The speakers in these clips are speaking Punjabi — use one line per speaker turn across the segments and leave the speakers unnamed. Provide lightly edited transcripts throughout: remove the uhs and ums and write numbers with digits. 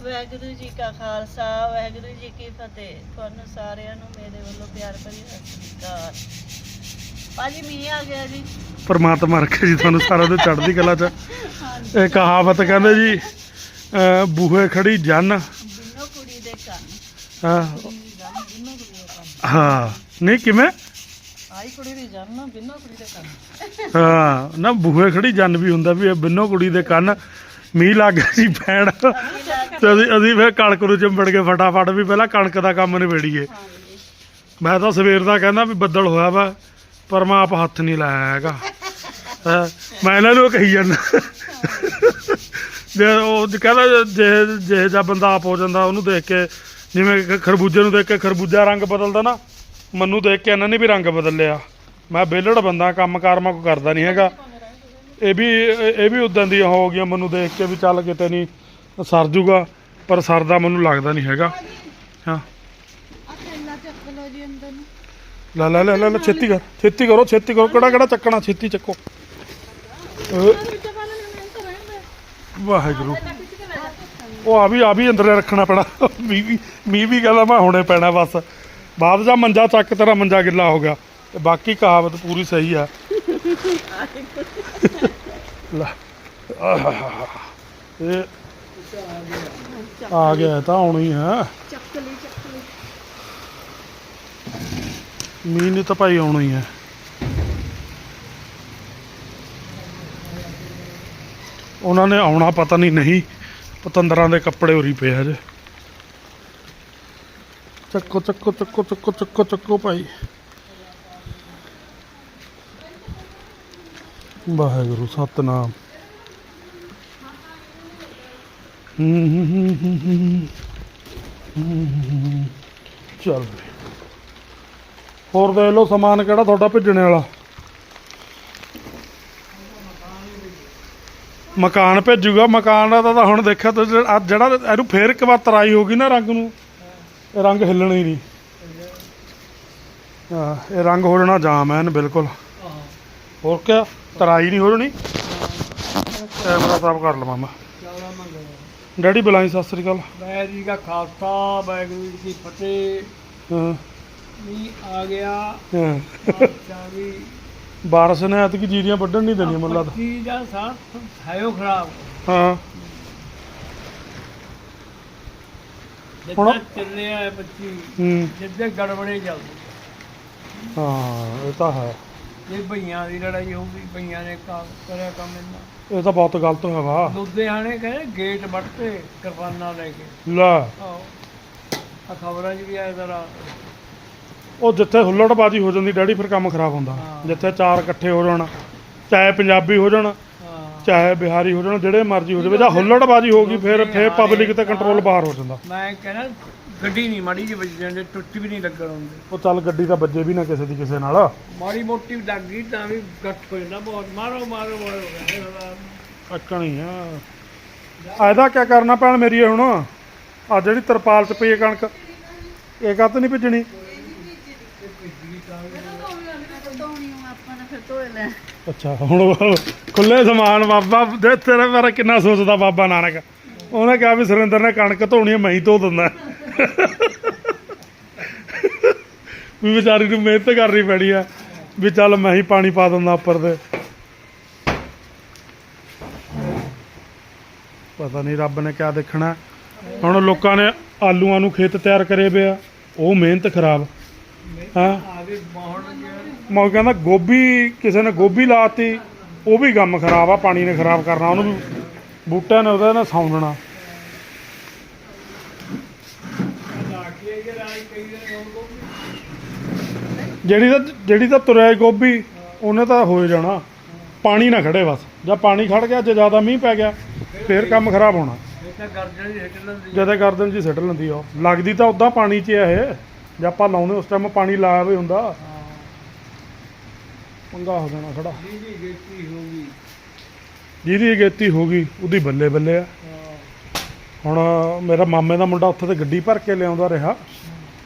ਵਾਹਿਗੁਰੂ ਜੀ ਕਾ ਖਾਲਸਾ ਵਾਹਿਗੁਰੂ ਜੀ ਕੀ ਫਤਿਹ। ਤੁਹਾਨੂੰ ਸਾਰਿਆਂ ਨੂੰ ਮੇਰੇ ਵੱਲੋਂ ਪਿਆਰ ਭਰੀ ਸਤਿ ਸ੍ਰੀ ਅਕਾਲ। ਭਾਜੀ ਮੀਂਹ ਆ ਗਿਆ ਜੀ।
ਪਰਮਾਤਮਾ ਰੱਖੇ ਜੀ ਤੁਹਾਨੂੰ ਸਾਰਿਆਂ ਨੂੰ ਚੜ੍ਹਦੀ ਕਲਾ 'ਚ। ਇਹ ਕਹਾਵਤ ਕਹਿੰਦੇ ਜੀ ਬੂਹੇ ਖੜੀ ਜੰਨ
ਬਿੰਨੋ ਕੁੜੀ ਦੇ ਕੰਨ।
ਹਾਂ
ਬਿੰਨੋ ਕੁੜੀ ਦੇ ਕੰਨ।
ਹਾਂ ਨਹੀਂ ਕਿਵੇਂ
ਆਈ ਕੁੜੀ ਦੀ ਜੰਨ ਬਿੰਨੋ ਕੁੜੀ ਦੇ ਕੰਨ।
ਹਾਂ ਨਾ ਬੂਹੇ ਖੜੀ ਜੰਨ ਵੀ ਹੁੰਦਾ ਵੀ ਇਹ ਬਿੰਨੋ ਕੁੜੀ ਦੇ ਕੰਨ। ਮੀਂਹ ਲੱਗ ਗਿਆ ਜੀ ਪੈਣ ਤੇ ਅਸੀਂ ਫਿਰ ਕਣਕ ਨੂੰ ਚਿੰਬੜ ਕੇ ਫਟਾਫਟ ਵੀ ਪਹਿਲਾਂ ਕਣਕ ਦਾ ਕੰਮ ਨਿਬੇੜੀਏ। ਮੈਂ ਤਾਂ ਸਵੇਰ ਦਾ ਕਹਿੰਦਾ ਵੀ ਬੱਦਲ ਹੋਇਆ ਵਾ ਪਰ ਮੈਂ ਆਪ ਹੱਥ ਨਹੀਂ ਲਾਇਆ ਹੈਗਾ। ਮੈਂ ਇਹਨਾਂ ਨੂੰ ਕਹੀ ਜਾਂਦਾ ਜੇ ਉਹ ਕਹਿੰਦਾ ਜੇ ਜਾਂ ਬੰਦਾ ਆਪ ਹੋ ਜਾਂਦਾ ਉਹਨੂੰ ਦੇਖ ਕੇ, ਜਿਵੇਂ ਖਰਬੂਜੇ ਨੂੰ ਦੇਖ ਕੇ ਖਰਬੂਜਾ ਰੰਗ ਬਦਲਦਾ ਨਾ, ਮੈਨੂੰ ਦੇਖ ਕੇ ਇਹਨਾਂ ਨੇ ਵੀ ਰੰਗ ਬਦਲ ਲਿਆ। ਮੈਂ ਵਿਹਲੜ ਬੰਦਾ, ਕੰਮ ਕਾਰ ਮੈਂ ਕੋਈ ਕਰਦਾ ਨਹੀਂ ਹੈਗਾ। ਇਹ ਵੀ ਉੱਦਾਂ ਦੀ ਹੋ ਗਈਆਂ ਮੈਨੂੰ ਦੇਖ ਕੇ ਵੀ ਚੱਲ ਕਿਤੇ ਨਹੀਂ ਸਰ ਜੂਗਾ, ਪਰ ਸਰਦਾ ਮੈਨੂੰ ਲੱਗਦਾ ਨਹੀਂ ਹੈਗਾ। ਹਾਂ ਲੈ ਲੈ ਲੈ ਲੈ ਛੇਤੀ ਕਰੋ ਛੇਤੀ ਕਰੋ। ਕਿਹੜਾ ਚੱਕਣਾ, ਛੇਤੀ ਚੱਕੋ। ਵਾਹਿਗੁਰੂ ਉਹ ਆ ਵੀ ਅੰਦਰ ਰੱਖਣਾ ਪੈਣਾ। ਮੀਂਹ ਵੀ ਕਹਿੰਦਾ ਮੈਂ ਹੁਣੇ ਪੈਣਾ ਬਸ। ਬਾਅਦ ਜਾਂ ਮੰਜਾ ਚੱਕ, ਤੇਰਾ ਮੰਜਾ ਗਿੱਲਾ ਹੋ ਗਿਆ। ਤੇ ਬਾਕੀ ਕਹਾਵਤ ਪੂਰੀ ਸਹੀ ਆ। ਇਹ ਆ ਗਿਆ ਤਾਂ ਆਉਣੀ ਹੈ ਮੀਂਹ ਨੇ ਤਾਂ ਭਾਈ ਆਉਣਾ ਹੀ ਹੈ। ਉਹਨਾਂ ਨੇ ਆਉਣਾ ਪਤਾ ਨਹੀਂ ਪਤੰਦਰਾਂ ਦੇ ਕੱਪੜੇ ਉਰੀ ਪਏ ਹਜੇ। ਚੱਕੋ ਭਾਈ। ਵਾਹਿਗੁਰੂ ਸਤਨਾਮ। ਚੱਲ ਹੋਰ ਦੇਖ ਲਓ ਸਮਾਨ ਕਿਹੜਾ ਤੁਹਾਡਾ ਭੇਜਣੇ ਵਾਲਾ। ਮਕਾਨ ਭੇਜੂਗਾ। ਮਕਾਨ ਦਾ ਤਾਂ ਹੁਣ ਦੇਖਿਆ ਤੁਸੀਂ ਜਿਹੜਾ ਇਹਨੂੰ ਫੇਰ ਇੱਕ ਵਾਰ ਤਰਾਈ ਹੋ ਗਈ ਨਾ ਰੰਗ ਨੂੰ, ਇਹ ਰੰਗ ਹਿੱਲਣਾ ਹੀ ਨਹੀਂ। ਹਾਂ ਇਹ ਰੰਗ ਹੋ ਜਾਣਾ ਜਾਮ ਐਨ ਬਿਲਕੁਲ। ਹੋਰ ਕਿਆ ਤਰਾਈ ਨਹੀਂ ਹੋ ਜਾਣੀ। ਕੈਮਰਾ ਸਾਫ ਕਰ ਲਵਾਂ ਮੈਂ। ਡੈਡੀ ਬੁਲਾਈ ਸਤਿ ਸ੍ਰੀ ਅਕਾਲ।
ਵਾਹਿਗੁਰੂ ਜੀ ਕਾ ਖਾਲਸਾ ਵਾਹਿਗੁਰੂ ਜੀ ਕੀ ਫਤਿਹ।
ਹਾਂ
ਮੀਂਹ ਆ ਗਿਆ।
ਹਾਂ
ਵੀ
ਬਾਰਿਸ਼ ਨੇ ਐਤਕੀ ਜੀਰੀਆਂ ਵੱਢਣ ਨਹੀਂ ਦੇਣੀਆਂ ਮੈਨੂੰ ਲੱਗਦਾ।
ਪੱਚੀ ਦਾ ਸਾਥ ਹੈ ਖਰਾਬ।
ਹਾਂ
ਜਿੱਦਾਂ ਚੱਲਿਆ ਹੈ 25
ਹੂੰ
ਜਿੱਦੇ ਗੜਬੜੇ ਚੱਲਦੇ।
ਹਾਂ ਇਹ ਤਾਂ ਹੈ।
ਇਹ ਭਈਆਂ ਦੀ ਲੜਾਈ ਹੋਊਗੀ। ਭਈਆਂ ਨੇ ਕਰਿਆ ਕੰਮ ਇੰਨਾ।
ਇਹ ਤਾਂ ਬਹੁਤ ਗਲਤ ਹੋਇਆ ਵਾ।
ਲੁਧਿਆਣੇ ਕਹਿੰਦੇ ਗੇਟ ਵੱਟਤੇ ਕਿਰਪਾਨਾਂ ਲੈ ਕੇ।
ਲੈ
ਆਹੋ ਆ ਖਬਰਾਂ 'ਚ ਵੀ ਆਇਆ ਜ਼ਰਾ।
ਉਹ ਜਿੱਥੇ ਹੁੱਲੜਬਾਜੀ ਹੋ ਜਾਂਦੀ ਡੈਡੀ ਫਿਰ ਕੰਮ ਖਰਾਬ ਹੁੰਦਾ। ਜਿੱਥੇ ਚਾਰ ਇਕੱਠੇ ਹੋ ਜਾਣ, ਚਾਹੇ ਪੰਜਾਬੀ ਹੋ ਜਾਣ ਚਾਹੇ ਬਿਹਾਰੀ ਹੋ ਜਾਣ, ਜਿਹੜੇ ਮਰਜ਼ੀ ਹੋ ਜਾਵੇ, ਜਾਂ ਹੁੱਲੜਬਾਜੀ ਹੋ ਗਈ ਫਿਰ ਪਬਲਿਕ ਤੇ ਕੰਟਰੋਲ ਬਾਹਰ ਹੋ ਜਾਂਦਾ।
ਮੈਂ ਕਹਿੰਦਾ ਗੱਡੀ ਨਹੀਂ ਮਾੜੀ ਜਿਹੀ ਵੱਜ ਜਾਂਦੇ, ਟੁੱਟ ਵੀ ਨਹੀਂ ਲੱਗਣ ਹੁੰਦੇ।
ਉਹ ਚੱਲ ਗੱਡੀ ਤਾਂ ਵੱਜੇ ਵੀ ਨਾ ਕਿਸੇ ਨਾਲ।
ਮਾੜੀ ਮੋਟੀ ਲੱਗ ਗਈ ਤਾਂ ਵੀ ਗੱਟ ਹੋ ਜਾਂਦਾ ਬਹੁਤ। ਮਾਰੋ
ਅੱਕਣੀ ਆ। ਇਹਦਾ ਕੀ ਕਰਨਾ ਪੈਣ ਮੇਰੀ ਹੁਣ। ਆ ਜਿਹੜੀ ਤਰਪਾਲ 'ਚ ਪਈ ਕਣਕ ਇਹ ਕੱਤ ਨਹੀਂ ਭਿੱਜਣੀ। ਅੱਛਾ ਹੁਣ ਖੁੱਲੇ ਸਮਾਨ ਬਾਬਾ ਦੇ ਤੇਰੇ ਬਾਰੇ ਕਿੰਨਾ ਸੋਚਦਾ ਬਾਬਾ ਨਾਨਕ। ਉਹਨੇ ਕਿਹਾ ਵੀ ਸੁਰਿੰਦਰ ਨੇ ਕਣਕ ਧੋਣੀ ਮੈਂ ਹੀ ਧੋ ਦਿੰਦਾ। ਵੀ ਵਿਚਾਰੀ ਨੂੰ ਮਿਹਨਤ ਕਰਨੀ ਪੈਣੀ ਆ ਵੀ ਚੱਲ ਮੈਂ ਹੀ ਪਾਣੀ ਪਾ ਦਿੰਦਾ ਉੱਪਰ ਤੇ। ਪਤਾ ਨਹੀਂ ਰੱਬ ਨੇ ਕਿਆ ਦੇਖਣਾ। ਹੁਣ ਲੋਕਾਂ ਨੇ ਆਲੂਆਂ ਨੂੰ ਖੇਤ ਤਿਆਰ ਕਰੇ ਪਏ ਆ, ਉਹ ਮਿਹਨਤ ਖਰਾਬ। ਹਾਂ ਮੈਂ ਕਹਿੰਦਾ ਗੋਭੀ ਕਿਸੇ ਨੇ ਗੋਭੀ ਲਾਤੀ, ਉਹ ਵੀ ਕੰਮ ਖਰਾਬ ਆ। ਪਾਣੀ ਨੇ ਖਰਾਬ ਕਰਨਾ ਉਹਨੂੰ ਵੀ, ਬੂਟਿਆਂ ਨੇ ਉਹਦੇ ਨਾਲ ਸੌਂਦਣਾ। ਜਿਹੜੀ ਤਾਂ ਤੁਰਿਆ ਗੋਭੀ ਉਹਨੇ ਤਾਂ ਹੋ ਜਾਣਾ। ਪਾਣੀ ਨਾ ਖੜੇ ਬਸ। ਜਾਂ ਪਾਣੀ ਖੜ ਗਿਆ, ਜੇ ਜ਼ਿਆਦਾ ਮੀਂਹ ਪੈ ਗਿਆ ਫਿਰ ਕੰਮ ਖਰਾਬ ਹੋਣਾ। ਜਦੇ ਗਰਦਨ ਜੀ ਸਿੱਟ ਲੈਂਦੀ ਉਹ। ਲੱਗਦੀ ਤਾਂ ਉੱਦਾਂ ਪਾਣੀ 'ਚ ਇਹ, ਜੇ ਆਪਾਂ ਲਾਉਂਦੇ ਉਸ ਟਾਈਮ ਪਾਣੀ ਲਾਇਆ ਵੀ ਹੁੰਦਾ ਪੰਗਾ ਹੋ ਜਾਣਾ ਖੜਾ। ਜਿਹਦੀ ਅਗੇਤੀ ਹੋ ਗਈ ਉਹਦੀ ਬੱਲੇ ਬੱਲੇ ਆ। ਹੁਣ ਮੇਰਾ ਮਾਮੇ ਦਾ ਮੁੰਡਾ ਉੱਥੇ ਤੇ ਗੱਡੀ ਭਰ ਕੇ ਲਿਆਉਂਦਾ ਰਿਹਾ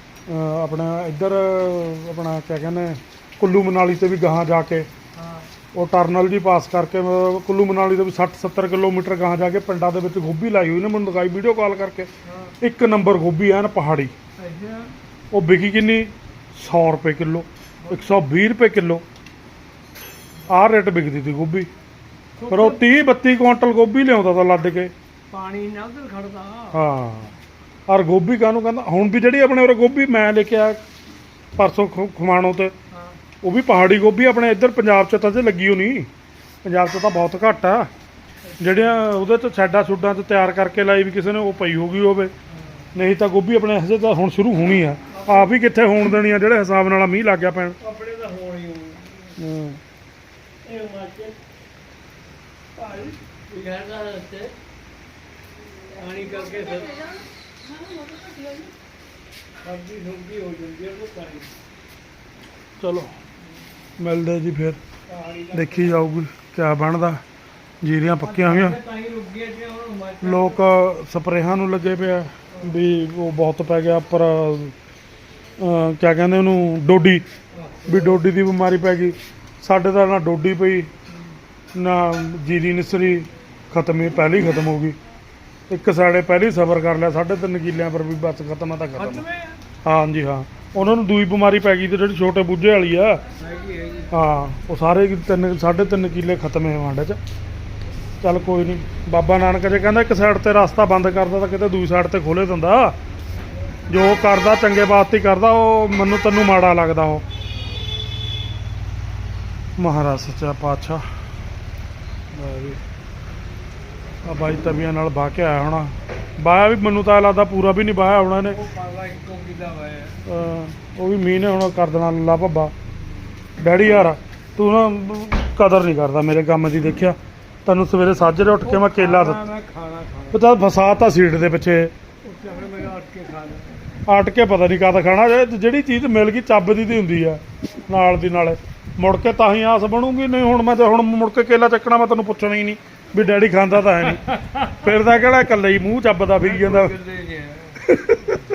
ਆਪਣਾ ਇੱਧਰ, ਆਪਣਾ ਕਿਆ ਕਹਿੰਦੇ ਕੁੱਲੂ ਮਨਾਲੀ ਤੇ ਵੀ ਗਾਹਾਂ ਜਾ ਕੇ ਉਹ ਟਰਨਲ ਜੀ ਪਾਸ ਕਰਕੇ ਕੁੱਲੂ ਮਨਾਲੀ ਤੋਂ ਵੀ 60-70 ਕਿਲੋਮੀਟਰ ਗਾਹਾਂ ਜਾ ਕੇ ਪਿੰਡਾਂ ਦੇ ਵਿੱਚ ਗੋਭੀ ਲਾਈ ਹੋਈ ਨੇ, ਮੈਨੂੰ ਦਿਖਾਈ ਵੀਡੀਓ ਕਾਲ ਕਰਕੇ। ਇੱਕ ਨੰਬਰ ਗੋਭੀ ਐਨ ਪਹਾੜੀ।
ਅੱਛਾ
ਉਹ ਵਿਕੀ ਕਿੰਨੀ 100 ਰੁਪਏ ਕਿਲੋ, 120 ਰੁਪਏ ਕਿਲੋ ਆਹ ਰੇਟ ਵਿਕਦੀ ਸੀ ਗੋਭੀ। ਪਰ ਉਹ 30-32 ਕੁਆਂਟਲ ਗੋਭੀ ਲਿਆਉਂਦਾ ਤਾਂ ਲੱਦ ਕੇ।
ਪਾਣੀ ਨਾ ਉਧਰ ਖੜਦਾ।
ਹਾਂ ਔਰ ਗੋਭੀ ਕਾਹਨੂੰ ਕਹਿੰਦਾ ਹੁਣ ਵੀ ਜਿਹੜੀ ਆਪਣੇ ਉਰੇ ਗੋਭੀ ਮੈਂ ਲੈ ਕੇ ਆਇਆ ਪਰਸੋਂ ਖਮਾਣੋਂ ਤੇ,
ਹਾਂ
ਉਹ ਵੀ ਪਹਾੜੀ ਗੋਭੀ। ਆਪਣੇ ਇੱਧਰ ਪੰਜਾਬ 'ਚ ਤਾਂ ਜੇ ਲੱਗੀ ਹੋ ਨਹੀਂ, ਪੰਜਾਬ 'ਚ ਤਾਂ ਬਹੁਤ ਘੱਟ ਆ। ਜਿਹੜੀਆਂ ਉਹਦੇ 'ਚ ਛੱਡਾਂ ਛੁੱਡਾਂ 'ਚ ਤਿਆਰ ਕਰਕੇ ਲਾਈ ਵੀ ਕਿਸੇ ਨੇ ਉਹ ਪਈ ਹੋ ਗਈ ਹੋਵੇ, ਨਹੀਂ ਤਾਂ ਗੋਭੀ ਆਪਣੇ ਹਜੇ ਤਾਂ ਹੁਣ ਸ਼ੁਰੂ ਹੋਣੀ ਆ। ਆਪ ਹੀ ਕਿੱਥੇ ਹੋਣ ਦੇਣੀ ਆ ਜਿਹੜੇ ਹਿਸਾਬ ਨਾਲ ਮੀਂਹ ਲੱਗ ਗਿਆ ਪੈਣ।
ਆਪਣੇ ਤਾਂ ਹੋਣ ਹੀ ਹੋਣੀ। ਇਹ ਮਾਰਕੇ ਭਾਈ ਵਿਗੜਦਾ ਰਸਤੇ ਪਾਣੀ ਕਰਕੇ ਫਿਰ ਸਬਜ਼ੀ ਸੁਬਜ਼ੀ ਹੋ ਜਾਂਦੀ ਹੈ ਉਹ ਪਾਣੀ।
ਚਲੋ ਮਿਲਦੇ ਜੀ ਫਿਰ,
ਪਾਣੀ ਦਾ
ਦੇਖੀ ਜਾਊਗੀ ਕਿਆ ਬਣਦਾ। ਜੀਰੀਆਂ ਪੱਕੀਆਂ ਹੋਈਆਂ,
ਤਾਂ ਹੀ ਰੁਕ ਗਿਆ ਜੇ ਹੁਣ ਹਿਮਾਚਲ
ਲੋਕ ਸਪਰੇਹਾਂ ਨੂੰ ਲੱਗੇ ਪਿਆ ਵੀ ਉਹ ਬਹੁਤ ਪੈ ਗਿਆ ਉੱਪਰ ਕਿਆ ਕਹਿੰਦੇ ਉਹਨੂੰ, ਡੋਡੀ, ਵੀ ਡੋਡੀ ਦੀ ਬਿਮਾਰੀ ਪੈ ਗਈ। ਸਾਡੇ ਤਾਂ ਨਾ ਡੋਡੀ ਪਈ ਨਾ ਜੀਰੀ ਨਿਸਰੀ, ਖਤਮ ਹੀ ਪਹਿਲੀ ਖਤਮ ਹੋ ਗਈ। ਇੱਕ ਸਾਡੇ ਪਹਿਲੀ ਸਬਰ ਕਰ ਲਿਆ 3.5 ਕਿੱਲਿਆਂ ਪਰ ਵੀ ਬਸ ਖਤਮ ਆ ਤਾਂ ਖਤਮ।
ਖਤਮ ਹੈ
ਹਾਂਜੀ ਹਾਂ, ਉਹਨਾਂ ਨੂੰ ਦੂਈ ਬਿਮਾਰੀ ਪੈ ਗਈ ਤੇ ਜਿਹੜੀ ਛੋਟੇ ਬੁੱਝੇ ਵਾਲੀ ਆ।
ਹੈਗੀ
ਹਾਂ ਉਹ ਸਾਰੇ 3.5 ਕਿੱਲੇ ਖਤਮ ਹੈ ਵਾਂਡੇ 'ਚ। ਚੱਲ ਕੋਈ ਨਹੀਂ, ਬਾਬਾ ਨਾਨਕ ਜੇ ਕਹਿੰਦਾ ਇੱਕ ਸਾਈਡ ਤੇ ਰਸਤਾ ਬੰਦ ਕਰਦਾ ਤਾਂ ਕਿਤੇ ਦੂਜੀ ਸਾਈਡ ਤੇ ਖੋਲੇ ਦਿੰਦਾ। ਜੋ ਕਰਦਾ ਚੰਗੇ ਵਾਸਤੇ ਹੀ ਕਰਦਾ, ਉਹ ਮੈਨੂੰ ਤੈਨੂੰ ਮਾੜਾ ਲੱਗਦਾ ਉਹ। ਮਹਾਰਾਜ ਸੱਚਾ ਪਾਤਸ਼ਾਹ। ਆ ਬਾਈ ਤਵੀਆਂ ਨਾਲ ਵਾਹ ਕੇ ਆਇਆ ਹੋਣਾ। ਵਾਇਆ ਵੀ ਮੈਨੂੰ ਤਾਂ ਲੱਗਦਾ ਪੂਰਾ ਵੀ ਨਹੀਂ ਵਾਇਆ ਹੋਣਾ ਇਹਨੇ।
ਉਹ ਪਾਲਾ ਇੱਕੋ ਕਿੱਲਾ ਹੋਇਆ।
ਉਹ ਵੀ ਮੀਂਹ ਨੇ ਹੁਣ ਕਰ ਦੇਣਾ ਲੱਲਾ ਭੱਬਾ। ਡੈਡੀ ਯਾਰ ਤੂੰ ਨਾ ਕਦਰ ਨਹੀਂ ਕਰਦਾ ਮੇਰੇ ਕੰਮ ਦੀ। ਦੇਖਿਆ ਤੈਨੂੰ ਸਵੇਰੇ ਸਾਜਰੇ ਉੱਠ ਕੇ ਮੈਂ ਕੇਲਾ ਦਿੱਤਾ,
ਮੈਂ ਖਾਣਾ
ਉਹ ਤਾਂ ਫਸਾਤਾ ਸੀਟ ਦੇ ਪਿੱਛੇ।
ਉੱਥੇ ਫਿਰ ਮੈਂ ਉੱਠ ਕੇ ਖਾ ਲਿਆ।
ਆਟ ਕੇ ਪਤਾ ਨਹੀਂ ਕਦ ਖਾਣਾ। ਜਿਹੜੀ ਚੀਜ਼ ਮਿਲ ਗਈ ਚੱਬ ਦੀ ਹੁੰਦੀ ਆ ਨਾਲ ਦੀ ਨਾਲੇ, ਮੁੜ ਕੇ ਤਾਂ ਹੀ ਆਸ ਬਣੂਗੀ। ਨਹੀਂ ਹੁਣ ਮੈਂ ਤੇ ਹੁਣ ਮੁੜ ਕੇ ਕੇਲਾ ਚੱਕਣਾ ਮੈਂ ਤੈਨੂੰ ਪੁੱਛਣਾ ਹੀ ਨਹੀਂ ਵੀ ਡੈਡੀ ਖਾਂਦਾ ਤਾਂ ਹੈ ਨਹੀਂ। ਫਿਰ ਤਾਂ ਕਿਹੜਾ ਇਕੱਲੇ ਹੀ ਮੂੰਹ ਚੱਬਦਾ ਫਿਰ ਜਾਂਦਾ।
ਕਿੱਲੇ ਗਿਆ।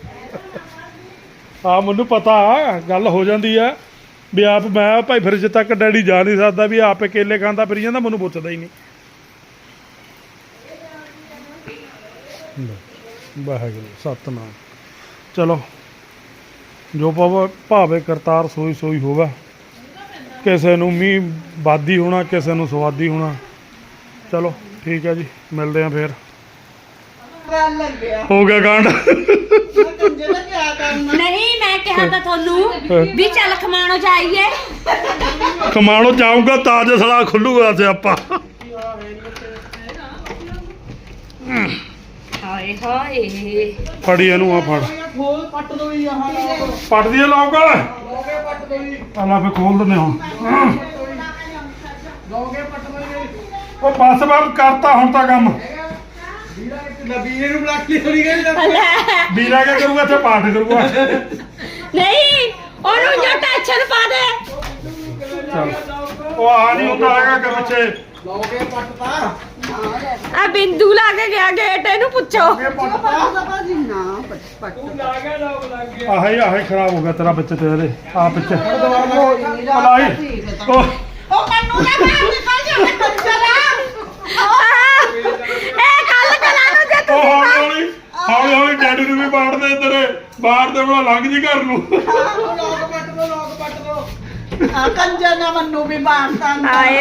ਆ ਮੈਨੂੰ ਪਤਾ ਗੱਲ ਹੋ ਜਾਂਦੀ ਆ ਵੀ ਆਪ ਮੈਂ ਭਾਈ ਫਰਿੱਜ ਤੱਕ ਡੈਡੀ ਜਾ ਨਹੀਂ ਸਕਦਾ ਵੀ ਆਪੇ ਕੇਲੇ ਖਾਂਦਾ ਫਿਰ ਜਾਂਦਾ, ਮੈਨੂੰ ਪੁੱਛਦਾ ਹੀ ਨਹੀਂ। ਵਾਹਿਗੁਰੂ ਸਤਨਾਮ। ਚਲੋ ਜੋ ਭਾਵੇ ਕਰਤਾਰ ਸੋਈ ਸੋਈ ਹੋਵੇ। ਕਿਸੇ ਨੂੰ ਮੀਂਹ ਬਾਦੀ ਹੋਣਾ, ਕਿਸੇ ਨੂੰ ਸਵਾਦੀ ਹੋਣਾ। ਚਲੋ ਠੀਕ ਹੈ ਜੀ, ਮਿਲਦੇ ਆ ਫਿਰ।
ਗੱਲ ਲੱਗਿਆ
ਹੋ ਗਿਆ ਕਾਂਡ।
ਕੰਜਰ ਦਾ ਕਿਆ ਕਰਨਾ।
ਨਹੀਂ ਮੈਂ ਕਿਹਾ ਤਾਂ ਤੁਹਾਨੂੰ ਵੀ ਚੱਲ ਖਮਾਣੋ ਜਾਈਏ।
ਕਮਾਣੋ ਜਾਊਂਗਾ ਤਾਜ ਸਲਾ ਖੁੱਲੂਗਾ ਸਿਆਪਾ।
ਹਾਏ ਹਾਏ
ਫੜੀ ਇਹਨੂੰ ਆ ਫੜ।
ਖੋਲ ਪੱਟ ਦੋ ਹੀ ਆਹ
ਪੱਟ ਦੀਏ ਲੋਕ।
ਲੋਗੇ ਪੱਟ ਦੋ ਹੀ
ਆਲਾ ਫੇ ਖੋਲ ਦਿੰਦੇ ਹੁਣ।
ਲੋਗੇ ਪੱਟ ਦੋ ਹੀ
ਉਹ ਬਸ ਬਾਬ ਕਰਤਾ ਹੁਣ ਤਾਂ ਕੰਮ।
ਵੀਰਾ ਇੱਕ ਨਬੀਰੇ ਨੂੰ ਬਲਾਕ ਲਈ ਹੋਣੀ ਗਈ
ਵੀਰਾ ਕੀ ਕਰੂਗਾ ਇੱਥੇ ਪਾਠ ਕਰੂਗਾ।
ਨਹੀਂ ਉਹਨੂੰ ਜੋ ਟੈਨਸ਼ਨ ਪਾ ਦੇ।
ਚੱਲ ਉਹ ਆ ਨਹੀਂ ਹੁੰਦਾ ਹੈਗਾ ਕਿ ਪਿੱਛੇ
ਲੋਗੇ ਪੱਟਤਾ
ਆ ਬਿੰਦੂ ਲਾ ਕੇ ਗਿਆ ਗੇਟ, ਇਹਨੂੰ ਪੁੱਛੋ।
ਪੱਟਦਾ ਬਾਜੀ ਨਾ ਪੱਟ
ਤੂੰ ਲਾ ਗਿਆ ਲੋਕ ਲੱਗ ਗਿਆ।
ਆਹੀ ਖਰਾਬ ਹੋ ਗਿਆ ਤੇਰਾ ਵਿੱਚ ਤੇ ਇਹਦੇ ਆ ਪਿੱਛੇ
ਲਾਈ
ਉਹ
ਉਹ ਕੰਨੂ ਨਾ ਬਾਹਰ ਨਿਕਲ ਜਾ ਮੈਂ ਕੰਜਰਾ
ਇਹ ਗੱਲ ਕਰਾਂ ਨੂੰ ਜੇ
ਉਹ
ਤੁਸੀਂ
ਹੌਲੀ ਹੌਲੀ ਡੈਡੀ ਨੂੰ ਵੀ ਬਾੜਦੇ ਤੇਰੇ ਬਾਹਰ ਦੇ ਬਣਾ ਲੰਘ ਜੀ ਘਰ ਨੂੰ।
ਲੋਗ ਪੱਟ ਦੋ ਆ ਕੰਜਰ ਨਾ ਮੰਨੂ ਵੀ ਬਾਣਤਾ
ਆਏ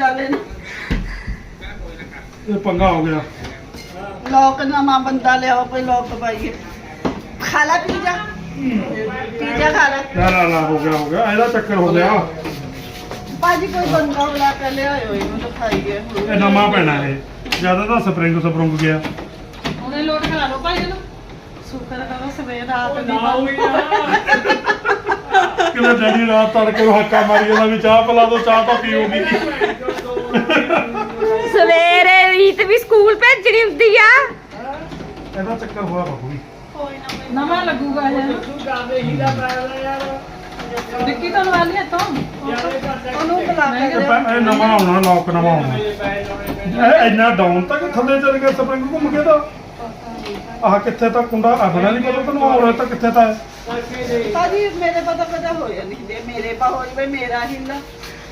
ਇਹ ਪੰਗਾ ਹੋ ਗਿਆ।
ਲੋਕ ਨਵਾਂ ਬੰਦਾ ਲਿਆਓ ਕੋਈ ਲੋਕ ਪਾਈਏ। ਖਾ ਲੈ ਪੀਜਾ ਖਾ ਲੈ
ਨਾ ਹੋ ਗਿਆ ਇਹਦਾ ਚੱਕਰ ਹੋ ਗਿਆ।
ਭਾਜੀ ਕੋਈ ਬੰਦਾ ਬੁਲਾ ਕੇ ਲਿਆਇਓ ਇਹਨੂੰ ਤਾਂ ਖਾਈਏ
ਇਹ ਨਵਾਂ ਪੈਣਾ ਇਹ ਜਿਆਦਾ ਤਾਂ ਸਪਰਿੰਗ ਗਿਆ।
ਉਹਨੇ ਲੋਟ ਕਰਾ ਲਓ ਭਾਈ ਇਹਨੂੰ ਸ਼ੁਕਰ ਕਰੋ ਸਵੇਰ ਰਾਤ ਦੀ
ਨਾ ਹੋਈ ਨਾ।
ਕਿਵੇਂ ਡੈਡੀ ਰਾਤ ਤੜਕੇ ਨੂੰ ਹੱਕਾ ਮਾਰੀ ਜਾਂਦਾ ਵੀ ਚਾਹ ਪਿਲਾ ਦੋ, ਚਾਹ ਤਾਂ ਪੀਊਗੀ।
ਸਵੇਰੇ ਰੀਤ ਵੀ ਸਕੂਲ ਭੇਜਣੀ ਹੁੰਦੀ ਆ।
ਇਹਦਾ ਚੱਕਰ ਹੋਇਆ ਬਾਬੂ ਜੀ।
ਨਵਾਂ ਲੱਗੂਗਾ ਇਹ
ਤੂੰ ਕਾਹਦੇ ਹੀਲਾ ਪਾਇਆ ਯਾਰ।
ਵਿੱਕੀ ਤੁਹਾਨੂੰ ਆ ਲਿਆ ਤੋਂ ਉਹਨੂੰ ਬੁਲਾ ਕੇ
ਇਹ ਨਵਾਂ ਆਉਣਾ, ਲੋਕ ਨਵਾਂ ਆਉਣਾ। ਇਹ ਇੰਨਾ ਡਾਊਨ ਤੱਕ ਥੱਲੇ ਚੱਲ ਗਿਆ ਸਪਰਿੰਗ ਘੁੰਮ ਕੇ ਤਾਂ ਆਹ ਕਿੱਥੇ ਤੱਕ ਕੁੰਡਾ ਆਪਣਾ ਨਹੀਂ ਪਤਾ ਤੈਨੂੰ ਹੋਰ ਤਾਂ ਕਿੱਥੇ ਤਾਂ ਹੈ।
ਭਾਜੀ ਮੇਰੇ ਪਤਾ ਹੋ ਜਾਂਦੀ ਜੇ ਮੇਰੇ ਪਾ ਹੋ ਜਵੇ ਮੇਰਾ ਹਿੱਲਾ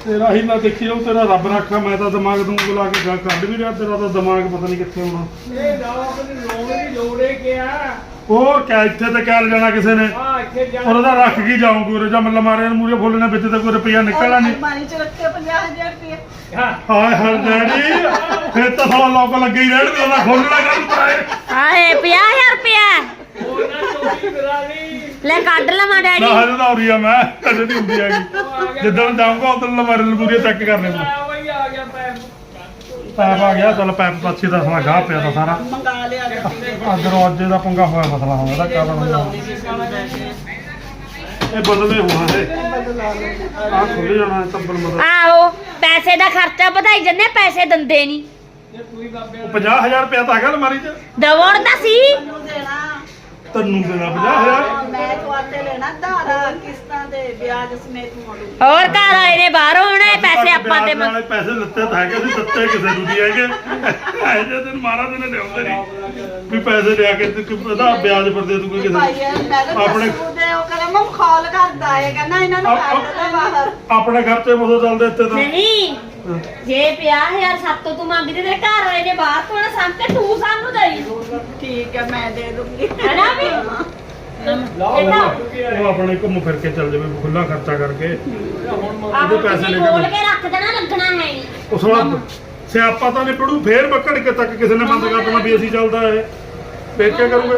ਤੇਰਾ ਹੀ ਨਾ ਦੇਖੀ ਜਾਓ, ਤੇਰਾ ਰੱਬ ਰੱਖਾ। ਮੈਂ ਤਾਂ ਦਿਮਾਗ ਨੂੰ ਬੁਲਾ ਕੇ ਗੱਲ ਕੱਢ ਵੀ ਰਿਹਾ, ਤੇਰਾ ਤਾਂ ਦਿਮਾਗ ਪਤਾ ਨਹੀਂ ਕਿੱਥੇ ਹੋਣਾ।
ਇਹ ਲੋਕ ਦੀ ਲੋੜ ਦੀ ਲੋੜੇ ਕਿਆ
ਹੋਰ ਕਿਆ ਇੱਥੇ ਤੇ ਕਿਆ ਜਾਣਾ ਕਿਸੇ ਨੇ,
ਆ ਇੱਥੇ ਜਾ
ਉਹਦਾ ਰੱਖ ਕੀ ਜਾਊਂਗੇ ਉਰੇ ਜਾਂ ਮੱਲਾ ਮਾਰਿਆ ਨੂੰ ਮੂਰੇ ਫੁੱਲਣੇ ਵਿੱਚ ਤੇ ਕੋਈ ਰੁਪਈਆ ਨਿਕਲਣਾ ਨਹੀਂ।
ਅਲਮਾਰੀ 'ਚ ਰੱਖੇ 50,000 ਰੁਪਏ।
ਹਾਂ
ਹਾਏ ਹਾਏ ਡੈਡੀ, ਫਿਰ ਤਾਂ ਸਾਲਾ ਲੋਕ ਲੱਗੇ ਹੀ ਰਹਿਣਗੇ, ਉਹਦਾ ਖੋਲਣਾ ਕਰ ਪਾਏ।
ਆਏ 50,000 ਰੁਪਇਆ
ਉਹ ਨਾ ਚੋਰੀ ਕਰਾ ਲਈ
ਲੈ ਕੱਢ ਲਵਾਂ
ਨਾ
ਡੈਡੀ।
ਹਜੇ ਤਾਂ ਉਰੀ ਆ ਮੈਂ, ਕਦੇ ਨਹੀਂ ਹੁੰਦੀ ਹੈਗੀ। ਜਿੱਦਣ ਜਾਊਂਗਾ ਉਦੋਂ ਲਮਾਰੇ ਲਮੂਰੀਆਂ ਚੈੱਕ ਕਰ ਲੈਣਾ।
ਆ ਬਈ ਆ ਗਿਆ ਪੈਪ
ਪੈਪ ਆ ਗਿਆ, ਚੱਲ ਪੈਪ ਪਾਛੀ ਦਾ ਸਾਲਾ ਗਾਹ ਪਿਆ ਤਾਂ ਸਾਰਾ।
ਮੰਗਾ ਲਿਆ
ਅੰਦਰੋਂ ਅੱਜ ਦਾ ਪੰਗਾ ਹੋਇਆ ਮਸਲਾ ਹੋਇਆ ਦਾ ਕਾਰਨ
ਬੁਲਾਉਂਦੀ ਸੀ ਸਾਨੂੰ ਲੈ ਕੇ
ਇਹ ਬਦਲੇ ਹੋਣਾ ਹੈ।
ਬਦਲਾ ਲਓ।
ਆਹ ਖੁੱਲ ਜਾਣਾ ਹੈ ਤੰਬਲ ਮਦਦ।
ਆਹੋ ਪੈਸੇ ਦਾ ਖਰਚਾ ਵਧਾਈ ਜੰਨੇ, ਪੈਸੇ ਦਿੰਦੇ ਨਹੀਂ।
ਇਹ ਪੂਰੀ ਬਾਬੇ
50,000 ਰੁਪਇਆ ਤਾਂ ਹੈਗਾ ਅਲਮਾਰੀ 'ਚ।
ਦਵਣ ਤਾਂ ਸੀ।
ਮੈਨੂੰ ਦੇਣਾ
ਤੈਨੂੰ ਦੇਣਾ 50,000।
ਮੈਂ ਤੁਹਾਡੇ ਲੈਣਾ ਧਾਰਾ ਕਿਸ਼ਤਾਂ ਦੇ ਵਿਆਜ ਸਮੇਤ ਮੋੜੂ।
ਹੋਰ ਘਰ ਆਏ ਨੇ ਬਾਹਰੋਂ ਹੁਣ ਇਹ ਪੈਸੇ ਆਪਾਂ ਦੇ
ਨਾਲੇ ਪੈਸੇ ਲੱਤੇ ਤਾਂ ਹੈਗੇ ਸੀ, ਦਿੱਤੇ ਕਿਸੇ ਨੂੰ ਨਹੀਂ ਹੈਗੇ। ਇਹ ਜੇ ਦਿਨ ਮਹਾਰਾਜ ਨੇ ਲਿਆਉਂਦੇ ਨਹੀਂ ਵੀ ਪੈਸੇ ਲਿਆ ਕੇ ਤੇ ਉਹਦਾ ਵਿਆਜ ਪਰ ਦੇ ਦੂਗੇ ਕਿਸੇ
ਭਾਈ
ਨੂੰ।
ਮੈਂ ਤਾਂ
ਆਪਣੇ
ਦੇ ਉਹ ਕਹਿੰਦਾ ਮੈਂ ਖਾਲ ਕਰਦਾ ਹੈ, ਕਹਿੰਦਾ ਇਹਨਾਂ ਨੂੰ ਕੱਢ ਦੇ ਬਾਹਰ।
ਆਪਣੇ ਖਰਚੇ ਮੋਦੋਂ ਚੱਲਦੇ ਇੱਥੇ ਤਾਂ।
ਨਹੀਂ ਜੇ 50,000 ਸਾਤੋਂ ਤੂੰ ਮੰਗਦੇ ਤੇ ਘਰ ਵਾਲੇ ਨੇ ਬਾਹਰ ਤੋਂ ਨਾ ਸਾਂ ਤੇ ਤੂੰ ਸਾਨੂੰ ਦੇਈ
ਠੀਕ ਹੈ ਮੈਂ ਦੇ ਦੂੰਗੀ।
ਹੈਨਾ ਵੀ ਇਹ ਤਾਂ
ਉਹ ਆਪਣੇ ਘੁੰਮ ਫਿਰ ਕੇ ਚੱਲ ਜਾਵੇ ਖੁੱਲਾ ਖਰਚਾ ਕਰਕੇ।
ਆਪੇ
ਪੈਸੇ
ਪੈਸੇ
ਲੈ ਕੇ
ਖੋਲ ਕੇ ਰੱਖ ਦੇਣਾ, ਲੱਗਣਾ ਹੈ ਨਹੀਂ।
ਉਸ ਵਾਰ ਸਿਆਪਾ ਤਾਂ ਨਹੀਂ ਪੜੂ, ਫੇਰ ਬੱਕੜ ਕੇ ਤੱਕ ਕਿਸੇ ਨੇ ਬੰਦ ਕਰ ਦੇਣਾ ਵੀ ਅਸੀਂ ਚੱਲਦਾ ਇਹ। ਫੇਰ ਕੀ ਕਰੂਗੇ?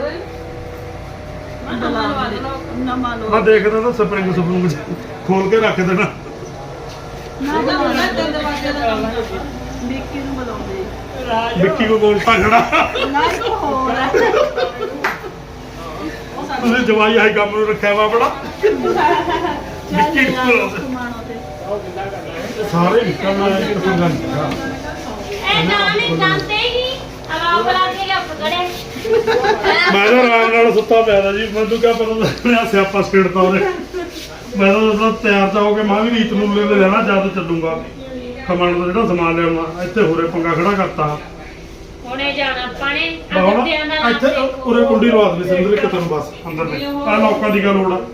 ਨਮਾ ਲੋ
ਮੈਂ ਦੇਖਦਾ ਤਾਂ ਸਪਰਿੰਗ ਸਪਰੂੰਗ ਖੋਲ ਕੇ ਰੱਖ ਦੇਣਾ।
ਨਾ ਬੁਲਾਉਣਾ ਤੇ ਦਰਵਾਜ਼ੇ ਦਾ ਵਿੱਕੀ ਨੂੰ ਬੁਲਾਉਂਦੇ
ਵਿੱਕੀ ਕੋ ਬੋਲ ਖੜਾ।
ਨਾ ਇੱਕ ਹੋਰ ਹੈ
ਤੁਸੀਂ ਜਵਾਈ ਆਈ ਕੰਮ ਨੂੰ ਰੱਖਿਆ ਵਾ ਆਪਣਾ। ਵਿੱਕੀ ਨੂੰ ਬੁਲਾਉਂਦੇ
ਸੁਮਾਨੋ ਤੇ
ਸਾਰੇ ਨਿਕਲਣਾ ਹੈ ਕਿ ਕੋਈ ਗੱਲ ਨਹੀਂ।
ਇਹ ਨਾਲੇ ਜਾਂਦੇ ਹੀ ਆਵਾਜ਼ ਬੁਲਾ ਕੇ ਲਿਆ ਪਕੜੇ।
ਮੈਂ ਤਾਂ ਆਰਾਮ ਨਾਲ ਸੁੱਤਾ ਪਿਆ ਤਾ ਜੀ, ਮੈਨੂੰ ਕਿਆ ਪਤਾ ਲੱਗਿਆ ਸਿਆਪਾ ਸਪੀਡ ਤਾਂ ਉਹਨੇ। ਮੈਂ ਤਾਂ ਜਦੋਂ ਤਿਆਰ ਤਾਂ ਹੋ ਕੇ ਮੈਂ ਵੀ ਰੀਤ ਨੂੰ ਲੈ ਲੈਣਾ ਜਦ ਚੱਲੂਗਾ। ਕਮਣ ਦਾ ਜਿਹੜਾ ਸਮਾਨ ਲਿਆਉਣਾ ਇੱਥੇ ਹੋਰੇ ਪੰਗਾ ਖੜਾ ਕਰਤਾ।
ਹੁਣੇ ਜਾਣਾ ਆਪਾਂ ਨੇ
ਬਾਹਰ
ਅੱਧਿਆਂ ਦਾ ਨਾਮ
ਇੱਥੇ
ਦੇਖੋ।
ਉਰੇ ਕੁੰਡੀ ਲਵਾ ਦੇ ਸਿੰਦਰ ਇੱਕ ਤੈਨੂੰ ਬਸ ਅੰਦਰ ਦੇ ਆ ਲੋਕਾਂ ਦੀ ਗੱਲ ਲੋੜ ਆ।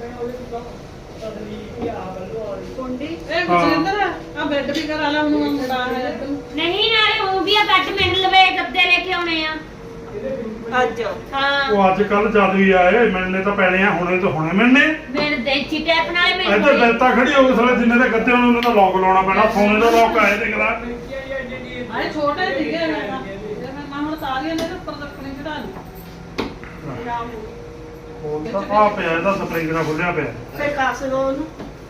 ਕੁੰਡੀ
ਹਾਂ
ਬੈੱਡ ਵੀ ਕਰਾ ਲਾ ਉਹਨੂੰ ਮੁੰਡਾ ਹੈ ਤੂੰ
ਨਹੀਂ ਨਾਲੇ ਉਹ ਵੀ ਆ ਬੈੱਡ ਮਿਲ ਲਵੇ ਗੱਦੇ ਲੈ ਕੇ ਆਉਣੇ ਆ।
ਅੱਜ
ਹਾਂ
ਉਹ ਅੱਜ ਕੱਲ ਜਦ ਵੀ ਆਏ ਮਿਲਣੇ ਤਾਂ ਪੈਣੇ ਆ, ਹੁਣੇ ਤਾਂ ਹੁਣੇ ਮਿਲਣੇ।
ਮੇਰੇ ਦੇਚੀ ਟੈਪ ਨਾਲੇ
ਇੱਧਰ
ਮੈਨੂੰ
ਬੈਂਤਾ ਖੜੀ ਹੋ ਕੇ ਸਾਲੇ ਜਿੰਨੇ ਦੇ ਗੱਤੇ ਹੋਣੇ ਉਹਨਾਂ ਦਾ ਲੋਕ ਲਾਉਣਾ ਪੈਣਾ। ਸੋਨੇ ਦਾ ਲੋਕ ਆਏ ਦੇਖਦਾ।
ਆਏ ਛੋਟੇ ਸੀਗੇ ਮੈਂ ਹੁਣ ਤਾਲੀਆਂ ਦੇ ਉੱਪਰ ਰੱਖਣੇ ਚੜਾ ਲਈ
ਹੁਣ ਤਾਂ ਆ ਪਿਆ ਇਹਦਾ ਸਪਰਿੰਗ ਦਾ ਖੁੱਲਿਆ ਪਿਆ।
ਫੇ ਕਾਸ ਦੋ ਉਹਨੂੰ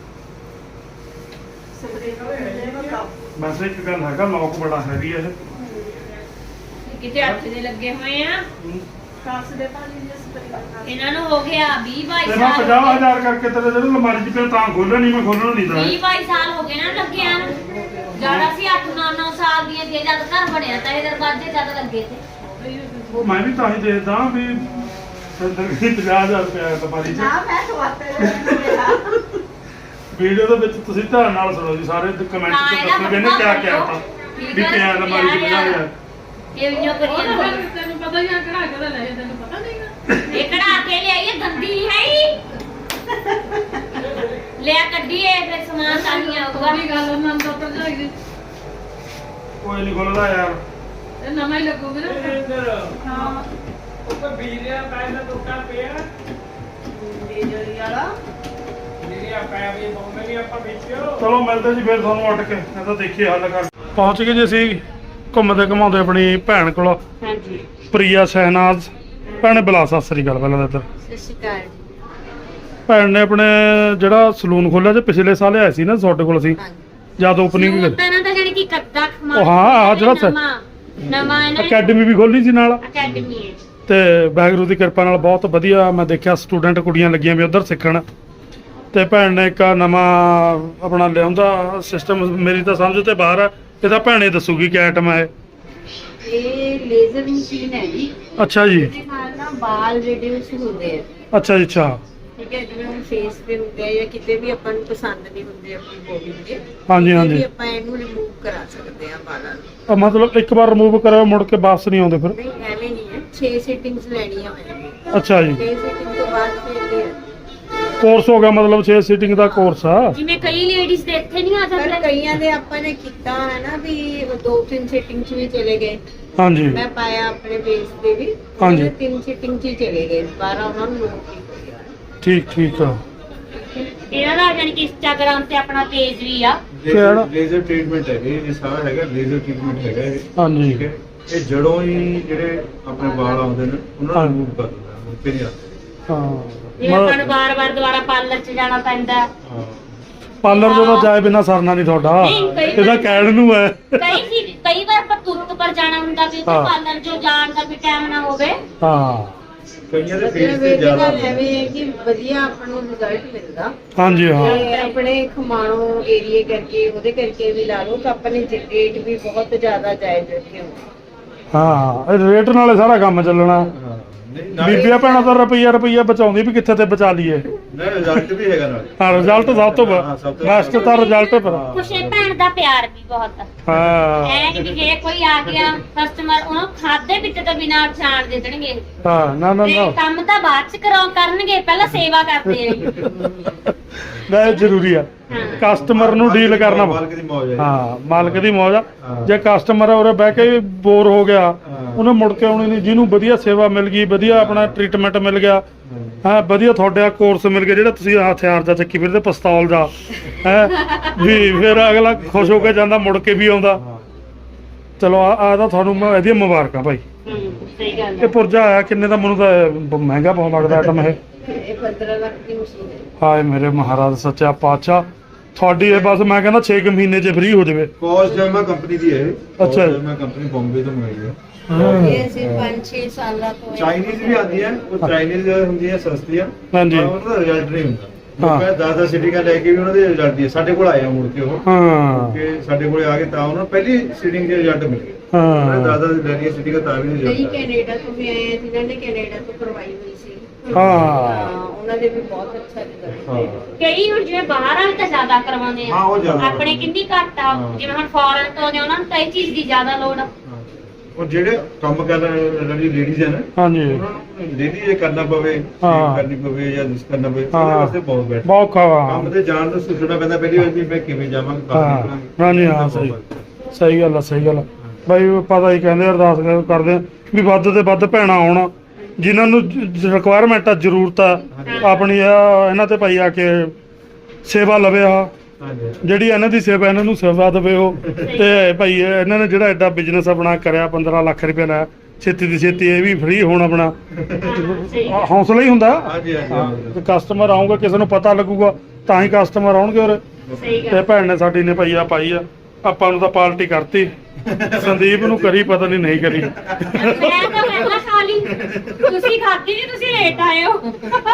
ਸਪਰੇ
ਵੈਸੇ ਇੱਕ ਗੱਲ ਹੈਗਾ, ਲੋਕ ਬੜਾ ਹੈਵੀ ਹੈ
ਕਿਤੇ ਹੱਥ ਦੇ ਲੱਗੇ ਹੋਏ ਆ।
ਇਹ।
ਕਾਸ ਦੇ ਪਾਣੀ ਦੇ ਸਪਰੇ
ਇਹਨਾਂ ਨੂੰ ਹੋ ਗਿਆ 20 22
ਤੇ ਮੈਂ
ਸਾਲ
50,000 ਕਰਕੇ ਤੇਰੇ ਜਿਹੜੇ ਅਲਮਾਰੀ 'ਚ ਪਿਆ ਤਾਂ ਖੋਲ੍ਹਣਾ ਨਹੀਂ, ਮੈਂ ਖੋਲ੍ਹਣਾ ਨਹੀਂ ਤਾਂ
20 22 ਸਾਲ ਹੋ ਗਏ ਨਾ ਲੱਗਿਆ ਨੂੰ। ਜਿਆਦਾ ਸੀ 8 9 ਸਾਲ ਦੀਆਂ ਜੇ ਜਦ ਘਰ ਬਣਿਆ ਤਾਂ ਇਹ ਦਰਵਾਜ਼ੇ ਜਦ ਲੱਗੇ ਤੇ
ਉਹ ਮੈਂ ਵੀ ਤਾਂ ਹੀ ਦੇਖਦਾ ਵੀ ਸਿੰਦਰ ਵੀ 50,000 ਰੁਪਇਆ ਅਲਮਾਰੀ 'ਚ।
ਨਾ ਮੈਂ ਤੁਹਾਡੇ
ਵੀਡੀਓ ਦੇ ਵਿੱਚ ਤੁਸੀਂ ਧਿਆਨ ਨਾਲ ਸੁਣੋ ਜੀ, ਸਾਰੇ ਕਮੈਂਟ
ਹਾਂ,
'ਚ
ਇਹਦਾ
ਦੱਸੋਗੇ ਨੇ ਕਿਆ ਕਿਹਾ ਤਾਂ
ਠੀਕ
ਵੀ
ਹੈ,
ਪਿਆ ਅਲਮਾਰੀ 'ਚ 50,000।
ਇਹ ਵੀ ਕਰੀ ਜਾਂਦੇ
ਤੈਨੂੰ ਪਤਾ ਹੀ ਆ ਕਢਾ ਕੇ ਲੈ ਤੈਨੂੰ ਪਤਾ ਨਹੀਂਗਾ
ਇਹ ਕਢਾ ਕੇ ਲਿਆਈਏ ਗੰਦੀ ਹੈ ਹੀ ਲਿਆ ਕੱਢੀਏ ਫਿਰ ਸਮਾਨ ਤਾਂ ਨਹੀਂ ਆਊਗਾ।
ਗੱਲ ਉਹਨਾਂ ਨੂੰ ਤਾਂ ਜਾਈਦੀ
ਕੋਈ ਨਹੀਂ ਖੋਲਦਾ ਯਾਰ।
ਇਹ ਨਵਾਂ ਹੀ ਲੱਗੂਗਾ ਨਾ
ਇੰਦਰ
ਹਾਂ
ਉੱਪਰ ਬੀਰਿਆ ਪੈਰ ਦਾ ਟੁੱਟਾ ਪਿਆ
ਜਿਹੜੀ ਵਾਲਾ
ਬੀਰਿਆ ਪੈਰ ਵੀ ਪਾਉਂਦੇ ਨਹੀਂ ਆਪਾਂ ਵਿੱਚੋਂ
ਚਲੋ ਮਿਲਦੇ ਜੀ ਫਿਰ ਤੁਹਾਨੂੰ ਉੱਠ ਕੇ, ਇਹ ਤਾਂ ਦੇਖੀਏ ਹੱਲ ਕਰ। ਪਹੁੰਚ ਗਏ ਜੀ ਅਸੀਂ ਘੁੰਮਦੇ ਘਮਾਉਂਦੇ ਆਪਣੀ ਭੈਣ ਕੋਲ,
ਹਾਂਜੀ
ਪ੍ਰਿਆ ਸ਼ਹਿਨਾਜ਼। ਭੈਣੇ ਬੁਲਾ ਸਤਿ ਸ੍ਰੀ ਅਕਾਲ ਪਹਿਲਾਂ ਤਾਂ ਇੱਧਰ।
ਸਤਿ ਸ਼੍ਰੀ ਅਕਾਲ
ਭੈਣ ਨੇ ਆਪਣੇ ਜਿਹੜਾ ਸਲੂਨ ਖੋਲਿਆ ਜੇ ਪਿਛਲੇ ਸਾਲ ਆਏ ਸੀ ਨਾ ਤੁਹਾਡੇ ਕੋਲ ਅਸੀਂ ਜਦ ਓਪਨਿੰਗ
ਤਾਂ ਨਾ ਤਾਂ ਜਾਨੀ ਕਿ ਕੱਦਾ ਖਮਾ
ਉਹ ਹਾਂ, ਆਹ ਜਿਹੜਾ
ਨਵਾਂ ਇਹਨਾਂ ਨੇ
ਅਕੈਡਮੀ ਵੀ ਖੋਲੀ ਸੀ ਨਾਲ।
ਅਕੈਡਮੀ ਹੈ।
ਤੇ ਵਾਹਿਗੁਰੂ ਦੀ ਕਿਰਪਾ ਨਾਲ ਬਹੁਤ ਵਧੀਆ ਮੈਂ ਦੇਖਿਆ ਸਟੂਡੈਂਟ ਕੁੜੀਆਂ ਲੱਗੀਆਂ ਵੀ ਉਧਰ ਸਿੱਖਣ। ਤੇ ਭੈਣ ਨੇ ਇੱਕ ਨਵਾਂ ਆਪਣਾ ਲਿਆਉਂਦਾ ਸਿਸਟਮ, ਮੇਰੀ ਤਾਂ ਸਮਝ ਤੇ ਬਾਹਰ ਆ। ਇਹ ਤਾਂ ਭੈਣੇ ਦੱਸੂਗੀ ਕਿ ਆਈਟਮ ਹੈ
ਇਹ ਲੇਜ਼ਰ ਮਸ਼ੀਨ ਹੈ ਜੀ।
ਅੱਛਾ ਜੀ,
ਇਹਦੇ ਨਾਲ ਨਾ ਵਾਲ ਰਿਡਿਊਸ ਹੁੰਦੇ ਆ।
ਅੱਛਾ ਜੀ, ਅੱਛਾ।
ਠੀਕ ਹੈ, ਜਿਵੇਂ ਹੁਣ ਫੇਸ ਤੇ ਹੁੰਦੇ ਆ ਜਾਂ ਕਿਤੇ ਵੀ ਆਪਾਂ ਨੂੰ ਪਸੰਦ ਨਹੀਂ ਹੁੰਦੇ ਆਪਣੀ ਬੋਡੀ ਦੇ,
ਹਾਂਜੀ
ਵੀ
ਹਾਂਜੀ।
ਆਪਾਂ ਇਹਨੂੰ ਰਿਮੂਵ ਕਰਾ ਸਕਦੇ ਆ ਵਾਲਾਂ ਨੂੰ।
ਮਤਲਬ ਇੱਕ ਵਾਰ ਰਿਮੂਵ ਕਰਿਓ ਮੁੜ ਕੇ ਵਾਪਸ ਨਹੀਂ ਆਉਂਦੇ ਫਿਰ?
ਨਹੀਂ ਐਵੇਂ ਨਹੀਂ ਹੈ, 6 ਸੀਟਿੰਗਸ ਲੈਣੀਆਂ ਹੋਣਗੀਆਂ।
ਅੱਛਾ ਜੀ,
6 ਸੀਟਿੰਗ ਤੋਂ ਬਾਅਦ ਫਿਰ ਇਹ
ਕੋਰਸ ਹੋ ਗਿਆ ਮਤਲਬ 6 ਸੀਟਿੰਗ ਦਾ ਕੋਰਸ ਆ।
ਜਿਵੇਂ ਕਈ ਲੇਡੀਜ਼ ਦੇ ਇੱਥੇ ਨਹੀਂ ਆ
ਪਰ
ਜਾਂਦੇ।
ਕਈਆਂ ਦੇ ਆਪਾਂ ਨੇ ਕੀਤਾ ਹੈ ਨਾ ਵੀ 2-3 ਸੀਟਿੰਗ 'ਚ ਵੀ ਚਲੇ ਗਏ।
ਹਾਂਜੀ
ਮੈਂ ਪਾਇਆ ਆਪਣੇ ਬੇਸ ਤੇ ਵੀ
ਹਾਂਜੀ।
3 ਸੀਟਿੰਗ 'ਚ ਹੀ ਚਲੇ ਗਏ, 12 ਉਹਨਾਂ ਨੂੰ ਨੋਟ ਕੀਤਾ।
ਠੀਕ ਆ।
ਇਹਨਾਂ ਦਾ ਜਾਨੀ ਕਿ ਇੰਸਟਾਗ੍ਰਾਮ ਤੇ ਆਪਣਾ ਪੇਜ ਵੀ ਆ।
ਕਿਹੜਾ?
ਲੇਜ਼ਰ ਟ੍ਰੀਟਮੈਂਟ ਹੈ ਇਹ ਸਾਰਾ ਹੈਗਾ ਲੇਜ਼ਰ ਟ੍ਰੀਟਮੈਂਟ ਹੈਗਾ ਇਹ।
ਹਾਂਜੀ
ਠੀਕ ਹੈ, ਇਹ ਜੜੋਂ ਹੀ ਜਿਹੜੇ ਆਪਣੇ ਵਾਲ ਆਉਂਦੇ ਨੇ ਉਹਨਾਂ
ਹਾਂ।
ਨੂੰ ਰਿਮੂਵ ਕਰ ਦਿੰਦਾ ਹੈ, ਮੁੜ ਕੇ ਨਹੀਂ ਆਉਂਦੇ।
ਜੇ ਆਪਾਂ
ਹਾਂ
ਨੂੰ ਵਾਰ-ਵਾਰ ਦੁਬਾਰਾ ਪਾਰਲਰ 'ਚ ਜਾਣਾ ਪੈਂਦਾ।
ਹਾਂ
ਪਾਰਲਰ ਜਦੋਂ ਜਾਏ ਬਿਨਾ ਸਰਨਾ ਨਹੀਂ ਤੁਹਾਡਾ,
ਨਹੀਂ, ਕਈ
ਇਹਦਾ
ਵਾਰ-
ਕਹਿਣ ਨੂੰ ਹੈ।
ਕਈ ਵਾਰ ਆਪਾਂ ਤੁਰਤ ਪਰ ਜਾਣਾ ਹੁੰਦਾ ਵੀ
ਹਾਂ।
ਪਾਰਲਰ 'ਚ ਜਾਣ ਦਾ ਵੀ ਟਾਈਮ ਨਾ ਹੋਵੇ।
ਹਾਂ
ਕਈਆਂ ਦੇ
ਮਤਲਬ
ਫੇਸ ਤੇ
ਇਹ
ਜ਼ਿਆਦਾ
ਗੱਲ ਐਵੇਂ ਹੈ ਕਿ ਵਧੀਆ ਆਪਾਂ ਨੂੰ ਰਿਜ਼ਲਟ ਮਿਲਦਾ।
ਹਾਂਜੀ ਹਾਂ
ਤੇ ਆਪਣੇ ਖਮਾਣੋ ਏਰੀਏ ਕਰਕੇ ਉਹਦੇ ਕਰਕੇ ਵੀ ਲਾ ਲਓ ਤਾਂ ਆਪਣੇ ਰੇਟ ਵੀ ਬਹੁਤ ਜ਼ਿਆਦਾ ਜਾਇਜ਼ ਰੱਖੇ ਹੋਏ।
ਹਾਂ ਇਹ ਰੇਟ ਨਾਲੇ ਸਾਰਾ ਕੰਮ ਚੱਲਣਾ।
ਹਾਂ ਨਹੀਂ ਨਾਲੇ
ਬੀਬੀਆਂ ਭੈਣਾਂ ਤਾਂ ਰੁਪਈਆ ਬਚਾਉਂਦੀ ਵੀ ਕਿੱਥੇ ਤੇ ਬਚਾ ਲਈਏ।
ਨਹੀਂ ਰਿਜ਼ਲਟ ਵੀ ਹੈਗਾ ਨਾਲੇ।
ਹਾਂ ਰਿਜ਼ਲਟ ਸਭ ਤੋਂ
ਹਾਂ, ਸਭ ਤੋਂ
ਬੈਸਟ ਤਾਂ ਰਿਜ਼ਲਟ ਪਰ।
ਕੁਛ ਇਹ ਭੈਣ ਦਾ ਪਿਆਰ ਵੀ ਬਹੁਤ ਆ।
ਹਾਂ
ਐ ਨਹੀਂ ਵੀ ਜੇ ਕੋਈ ਆ ਗਿਆ ਕਸਟਮਰ ਉਹਨੂੰ ਖਾਦੇ ਪੀਤੇ ਤੋਂ ਬਿਨਾਂ ਜਾਣ ਦੇ ਦੇਣਗੇ।
ਹਾਂ ਨਾ
ਤੇ ਕੰਮ ਤਾਂ ਬਾਅਦ ਚ ਕਰਨਗੇ, ਪਹਿਲਾਂ ਸੇਵਾ ਕਰਦੇ ਆ।
ਇਹ ਜ਼ਰੂਰੀ ਆ।
ਹਾਂ।
ਕਸਟਮਰ ਨੂੰ ਡੀਲ ਕਰਨਾ।
ਮਾਲਕ ਦੀ ਮੌਜ ਹੈ।
ਹਾਂ ਮਾਲਕ ਦੀ ਮੌਜ ਆ।
ਹਾਂ।
ਜੇ ਕਸਟਮਰ ਉਰੇ ਬਹਿ ਕੇ ਬੋਰ ਹੋ ਗਿਆ
ਹਾਂ।
ਉਹਨੇ ਮੁੜ ਕੇ ਆਉਣੀ ਨਹੀਂ। ਜਿਹਨੂੰ ਵਧੀਆ ਸੇਵਾ ਮਿਲ ਗਈ, ਵਧੀਆ ਆਪਣਾ ਟ੍ਰੀਟਮੈਂਟ ਮਿਲ ਗਿਆ, ਹਾਂ ਵਧੀਆ ਤੁਹਾਡਾ ਕੋਰਸ ਮਿਲ ਗਿਆ ਜਿਹੜਾ ਤੁਸੀਂ ਹਥਿਆਰ ਦਾ ਚੱਕੀ ਫਿਰਦੇ ਪਿਸਤੌਲ ਦਾ ਹੈ ਵੀ, ਫਿਰ ਅਗਲਾ ਖੁਸ਼ ਹੋ ਕੇ ਜਾਂਦਾ, ਮੁੜ ਕੇ ਵੀ ਆਉਂਦਾ।
ਹਾਂ।
ਚਲੋ ਆ ਤਾਂ ਤੁਹਾਨੂੰ ਮੈਂ ਇਹਦੀਆਂ ਮੁਬਾਰਕਾਂ ਭਾਈ।
ਸਹੀ ਗੱਲ
ਇਹ ਪੁਰਜਾ ਆਇਆ ਕਿੰਨੇ ਦਾ? ਮੈਨੂੰ ਤਾਂ ਮਹਿੰਗਾ ਬਹੁਤ ਲੱਗਦਾ ਆਈਟਮ ਇਹ।
ਇਹ 15 ਲੱਖ ਦੀ ਮਸ਼ੀਨ ਹੈ।
ਹਾਏ ਮੇਰੇ ਮਹਾਰਾਜ ਸੱਚਾ ਪਾਤਸ਼ਾਹ, ਤੁਹਾਡੀ ਇਹ ਬਸ ਮੈਂ ਕਹਿੰਦਾ 6 ਮਹੀਨੇ 'ਚ ਫ੍ਰੀ ਹੋ ਜਾਵੇ।
ਕੋਸ ਜਰਮਾ ਕੰਪਨੀ ਦੀ ਹੈ ਇਹ।
ਅੱਛਾ ਜੀ।
ਜਰਮਾ ਕੰਪਨੀ ਬੰਬੇ ਤੋਂ ਮੰਗਾਈ ਹੈ।
ਇਹ ਅਸੀਂ 5-6 ਸਾਲਾਂ ਤੋਂ
ਚਾਈਨੀਜ਼ ਵੀ ਆਉਂਦੀ ਹੈ, ਉਹ ਚਾਈਨੀਜ਼ ਹੁੰਦੀ ਹੈ ਸਸਤੀਆਂ।
ਹਾਂਜੀ।
ਪਰ ਉਹਨਾਂ ਦਾ ਰਿਜ਼ਲਟ ਨਹੀਂ ਹੁੰਦਾ।
ਹਾਂ।
ਲੋਕਾਂ 10-10 ਸੀਟਿੰਗਾਂ ਲੈ ਕੇ ਵੀ ਉਹਨਾਂ ਦੇ ਰਿਜ਼ਲਟ ਦੀ ਸਾਡੇ ਕੋਲ ਆਏ ਆ ਮੁੜ ਕੇ ਉਹ
ਹਾਂ
ਕਿ ਸਾਡੇ ਕੋਲੇ ਆ ਕੇ ਤਾਂ ਉਹਨਾਂ ਨੂੰ ਪਹਿਲੀ ਸੀਟਿੰਗ ਦੇ ਰਿਜ਼ਲਟ ਮਿਲ ਗਏ।
ਹਾਂ
ਦਾਦਾ ਦੀ ਲੈਣੀ ਸੀਟਿੰਗ ਤਾਂ ਵੀ
ਕਈ
ਰਿਜ਼ਲਟ
ਕੈਨੇਡਾ ਤੋਂ ਵੀ ਆਏ ਆ ਜਿਨ੍ਹਾਂ ਨੇ ਕੈਨੇਡਾ ਤੋਂ ਕਰਵਾਈ ਹੋਈ ਸੀ।
ਹਾਂ
ਉਹਨਾਂ ਦੇ ਵੀ ਬਹੁਤ ਅੱਛਾ ਰਿਜ਼ਲਟ
ਹਾਂ।
ਹੈ।
ਕਈ ਹੁਣ ਜਿਵੇਂ ਬਾਹਰ ਵਾਲੇ ਤਾਂ ਜ਼ਿਆਦਾ ਕਰਵਾਉਂਦੇ
ਹਾਂ, ਉਹ
ਆ,
ਜ਼ਿਆਦਾ
ਆਪਣੇ ਕਿੰਨੀ ਘੱਟ ਆ।
ਹਾਂ।
ਜਿਵੇਂ ਹੁਣ ਫੋਰਨ ਤੋਂ ਨੇ ਉਹਨਾਂ ਨੂੰ ਤਾਂ ਇਹ ਚੀਜ਼ ਦੀ ਜ਼ਿਆਦਾ ਲੋੜ ਆ।
ਉਹ ਜਿਹੜੇ ਕੰਮ ਕਰ ਰਹੇ ਜਿਹੜੀ ਲੇਡੀਜ਼ ਹਨ
ਹਾਂਜੀ
ਉਹਨਾਂ ਨੂੰ ਡੇਲੀ ਜੇ ਕਰਨਾ ਪਵੇ,
ਹਾਂ।
save ਕਰਨੀ ਪਵੇ ਜਾਂ ਜਿਸ ਕਰਨਾ ਪਵੇ ਉਹਦੇ
ਹਾਂ।
ਵਾਸਤੇ ਬਹੁਤ ਬੈਟਰ।
ਬਹੁਤ ਖਾਵਾ।
ਕੰਮ ਤੇ ਜਾਣ ਤੋਂ ਸੋਚਣਾ ਪੈਂਦਾ ਪਹਿਲੀ ਵਾਰ ਵੀ ਮੈਂ ਕਿਵੇਂ ਜਾਵਾਂਗਾ ਬਾਹਰ
ਹਾਂ
ਨਿਕਲਾਂਗੇ।
ਹਾਂਜੀ ਹਾਂ ਸਹੀ ਸਹੀ ਗੱਲ ਆ ਸਹੀ ਗੱਲ ਆ। ਬਾਈ ਪਤਾ ਹੀ ਕਹਿੰਦੇ ਅਰਦਾਸ ਕਰਦੇ ਆ ਵੀ ਵੱਧ ਤੇ ਵੱਧ ਭੈਣਾਂ ਆਉਣ ਜਿਨ੍ਹਾਂ ਨੂੰ ਰਿਕੁਆਇਰਮੈਂਟ ਆ, ਜ਼ਰੂਰਤ ਆ ਆਪਣੀ ਆ, ਇਹਨਾਂ ਤੇ ਭਾਈ ਆ ਕੇ ਸੇਵਾ ਲਵੇ। ਆ
ਹਾਂਜੀ।
ਜਿਹੜੀ ਇਹਨਾਂ ਦੀ ਸੇਵਾ ਇਹਨਾਂ ਨੂੰ ਸੇਵਾ ਦੇਵੇ ਉਹ। ਤੇ ਭਾਈ ਇਹਨਾਂ ਨੇ ਜਿਹੜਾ ਐਡਾ ਬਿਜ਼ਨਸ ਆਪਣਾ ਕਰਿਆ 15 ਲੱਖ ਰੁਪਏ ਲਾਇਆ, ਛੇਤੀ ਦੀ ਛੇਤੀ ਇਹ ਵੀ ਫ੍ਰੀ ਹੋਣ ਆਪਣਾ
ਸਹੀ ਗੱਲ।
ਹੌਸਲਾ ਹੀ ਹੁੰਦਾ।
ਹਾਂਜੀ ਹਾਂਜੀ
ਕਸਟਮਰ ਆਉਂਗਾ, ਕਿਸੇ ਨੂੰ ਪਤਾ ਲੱਗੂਗਾ ਤਾਂ ਹੀ ਕਸਟਮਰ ਆਉਣਗੇ ਉਰੇ।
ਸਹੀ
ਤੇ
ਗੱਲ।
ਭੈਣ ਨੇ ਸਾਡੀ ਨੇ ਭਾਈ ਆ ਪਾਈ ਆ, ਆਪਾਂ ਨੂੰ ਤਾਂ ਪਾਰਟੀ ਕਰਤੀ, ਸੰਦੀਪ ਨੂੰ ਕਰੀ ਪਤਾ ਨਹੀਂ ਕਰੀ।
ਮੈਂ ਤਾਂ ਪਹਿਲਾਂ ਖਾ ਲਈ, ਤੁਸੀਂ ਖਾਧੀ ਨਹੀਂ, ਤੁਸੀਂ ਲੇਟ ਆਏ ਹੋ।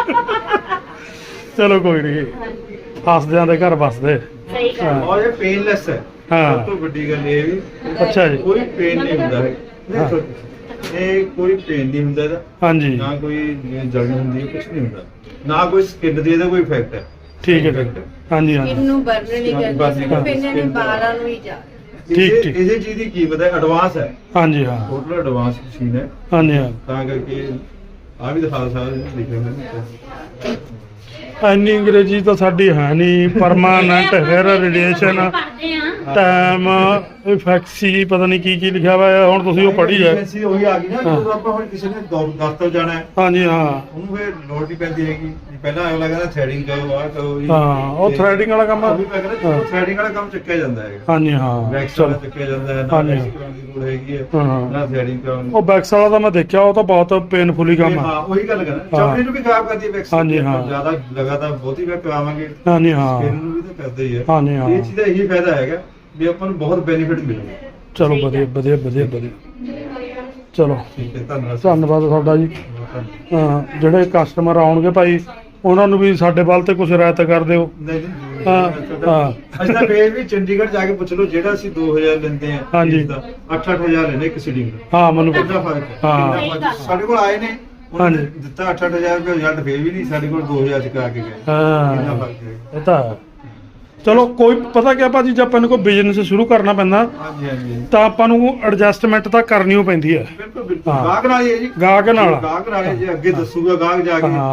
ਚਲੋ ਕੋਈ ਨਹੀਂ, ਹੱਸਦਿਆਂ ਦੇ ਘਰ ਵਸਦੇ।
ਸਹੀ ਗੱਲ।
ਹਾਂ।
ਔਰ ਇਹ ਪੇਨਲੈਸ ਹੈ।
ਹਾਂ।
ਸਭ ਤੋਂ ਵੱਡੀ ਗੱਲ ਇਹ ਵੀ
ਅੱਛਾ ਜੀ।
ਕੋਈ ਪੇਨ ਨਹੀਂ ਹੁੰਦਾ ਹੈ।
ਹਾਂ।
ਇਹ ਕੋਈ ਪੇਨ ਨਹੀਂ ਹੁੰਦਾ ਇਹਦਾ,
ਹਾਂਜੀ
ਨਾ ਕੋਈ ਜਲਨ ਹੁੰਦੀ ਹੈ, ਕੁਝ ਨਹੀਂ ਹੁੰਦਾ, ਨਾ ਕੋਈ ਸਕਿਨ ਦੀ ਇਹਦਾ ਕੋਈ ਇਫੈਕਟ ਹੈ।
ਠੀਕ ਹੈ ਠੀਕ ਹੈ। ਹਾਂਜੀ ਹਾਂਜੀ
ਇਹਨੂੰ ਬਰਨ ਨਹੀਂ ਕਰਦੀ, ਸਿਰਫ ਇਹਨਾਂ ਨੇ ਵਾਲਾਂ ਨੂੰ ਹੀ ਜਾ
ਠੀਕ, ਠੀਕ।
ਇਹਦੇ ਚੀਜ਼ ਦੀ ਕੀਮਤ ਹੈ ਐਡਵਾਂਸ ਹੈ,
ਹਾਂਜੀ ਹਾਂ
ਟੋਟਲ ਐਡਵਾਂਸ ਮਸ਼ੀਨ ਹੈ।
ਹਾਂਜੀ ਹਾਂ।
ਤਾਂ ਕਰਕੇ ਆ ਵੀ ਦਿਖਾ ਸਕਦੇ ਲਿਖੇ ਹੋਏ ਨੇ।
ਇੰਨੀ ਅੰਗਰੇਜ਼ੀ ਤਾਂ ਸਾਡੀ ਹੈ ਨਹੀਂ। ਪਰਮਾਨੈਂਟ ਹੈਅਰ ਰੇਡੀਏਸ਼ਨ
ਪੜ੍ਹਦੇ ਆ।
ਟਾਈਮ ਇਫੈਕਸੀ ਪਤਾ ਨਹੀਂ ਕੀ ਲਿਖਿਆ ਹੋਇਆ, ਹੁਣ ਤੁਸੀਂ ਉਹ ਪੜ੍ਹੀ ਜਾਏ।
Efficiency ਉਹੀ ਆ ਗਈ ਨਾ,
ਹਾਂ।
ਜਦੋਂ ਆਪਾਂ ਹੁਣ ਕਿਸੇ ਨੇ ਦਫ਼ਤਰ ਜਾਣਾ ਹੈ
ਹਾਂਜੀ ਹਾਂ
ਉਹਨੂੰ ਫਿਰ ਲੋੜ ਨਹੀਂ ਪੈਂਦੀ ਹੈਗੀ। ਪਹਿਲਾਂ ਅਗਲਾ ਕਹਿੰਦਾ ਥ੍ਰੈਡਿੰਗ ਕਰੋ, ਆਹ ਕਰੋ ਜੀ।
ਹਾਂ ਉਹ ਥ੍ਰੈਡਿੰਗ ਵਾਲਾ ਕੰਮ।
ਉਹ ਵੀ ਮੈਂ ਕਹਿੰਦਾ
ਹਾਂ।
ਥ੍ਰੈਡਿੰਗ ਵਾਲਾ ਕੰਮ ਚੱਕਿਆ ਜਾਂਦਾ ਹੈ।
ਹਾਂਜੀ ਹਾਂ
ਵੈਕਸ
ਚਲੋ
ਵਾਲਾ ਚੱਕਿਆ ਜਾਂਦਾ ਹੈ, ਨਾ
ਹਾਂਜੀ।
ਵੈਕਸ ਕਰਾਉਣ ਦੀ ਲੋੜ ਹੈਗੀ ਹੈ,
ਹਾਂ।
ਨਾ ਥ੍ਰੈਡਿੰਗ ਕਰਾਉਣ ਦੀ।
ਉਹ ਬੈਕਸ ਵਾਲਾ ਤਾਂ ਮੈਂ ਦੇਖਿਆ, ਉਹ ਤਾਂ ਬਹੁਤ ਪੇਨਫੁਲੀ ਕੰਮ ਆ।
ਹਾਂ ਉਹੀ ਗੱਲ ਕਰਨਾ,
ਹਾਂ।
ਚਮੜੀ ਨੂੰ ਵੀ ਖਰਾਬ ਕਰਦੀ ਹੈ ਵੈਕਸ।
ਹਾਂਜੀ, ਹਾਂ।
ਜਿਆਦਾ ਲਗਾਤਾਰ ਬਹੁਤੀ ਵਾਰ ਕਰਾਵਾਂਗੇ
ਹਾਂਜੀ ਹਾਂ
ਸਕਿਨ ਨੂੰ ਵੀ ਤਾਂ ਕਰਦਾ ਹੀ ਹੈ।
ਹਾਂਜੀ, ਹਾਂ।
ਇਹ ਚੀਜ਼ ਦਾ ਇਹੀ ਫਾਇਦਾ ਹੈਗਾ ਵੀ ਆਪਾਂ ਨੂੰ ਬਹੁਤ ਬੈਨੀਫਿਟ ਮਿਲੂਗਾ।
ਚਲੋ ਵਧੀਆ ਵਧੀਆ ਵਧੀਆ ਵਧੀਆ। ਚਲੋ
ਠੀਕ ਹੈ, ਧੰਨਵਾਦ।
ਧੰਨਵਾਦ ਤੁਹਾਡਾ ਜੀ। ਹਾਂ ਜਿਹੜੇ ਕਸਟਮਰ ਆਉਣਗੇ ਭਾਈ ਉਹਨਾਂ ਨੂੰ ਵੀ ਸਾਡੇ ਵੱਲ ਤੇ ਕੁਝ ਰਾਇਤ ਕਰ ਦਿਓ।
ਨਹੀਂ ਨਹੀਂ
ਹਾਂ, ਹਾਂ।
ਅਸੀਂ ਤਾਂ ਫੇਰ ਵੀ ਚੰਡੀਗੜ੍ਹ ਜਾ ਕੇ ਪੁੱਛ ਲਓ, ਜਿਹੜਾ ਅਸੀਂ 2000 ਲੈਂਦੇ ਆ
ਹਾਂਜੀ।
8-8000 ਲੈਂਦੇ ਇੱਕ ਸੀਟਿੰਗ ਦਾ।
ਹਾਂ ਮੈਨੂੰ
ਕਿੰਨਾ ਫਰਕ ਹੈ,
ਹਾਂ।
ਕਿੰਨਾ ਫਰਕ ਹੈ। ਸਾਡੇ ਕੋਲ ਆਏ ਨੇ ਉਹਨਾਂ ਨੇ
ਹਾਂਜੀ।
ਦਿੱਤਾ 8-8000 ਰੁਪਏ, ਰਿਜ਼ਲਟ ਫੇਰ ਵੀ ਨਹੀਂ ਸਾਡੇ ਕੋਲ 2000 ਚ ਕਰਾ ਕੇ ਗਏ। ਕਿੰਨਾ
ਹਾਂ
ਫਰਕ ਹੈ।
ਇਹ ਤਾਂ ਹੈ। ਚਲੋ ਕੋਈ ਪਤਾ ਕਿਆ ਭਾਜੀ, ਜੇ ਆਪਾਂ ਨੂੰ ਕੋਈ ਬਿਜ਼ਨਸ ਸ਼ੁਰੂ ਕਰਨਾ ਪੈਂਦਾ
ਹਾਂਜੀ ਹਾਂਜੀ
ਤਾਂ ਆਪਾਂ ਨੂੰ ਐਡਜਸਟਮੈਂਟ ਤਾਂ ਕਰਨੀ ਓ ਪੈਂਦੀ ਹੈ।
ਬਿਲਕੁਲ ਬਿਲਕੁਲ।
ਹਾਂ।
ਗਾਹਕ ਨਾਲ ਹੀ ਹੈ ਜੀ।
ਗਾਹਕ ਨਾਲ।
ਗਾਹਕ ਨਾਲ ਹੈ ਜੀ, ਅੱਗੇ ਦੱਸੂਗਾ ਗਾਹਕ ਜਾ ਕੇ।
ਹਾਂ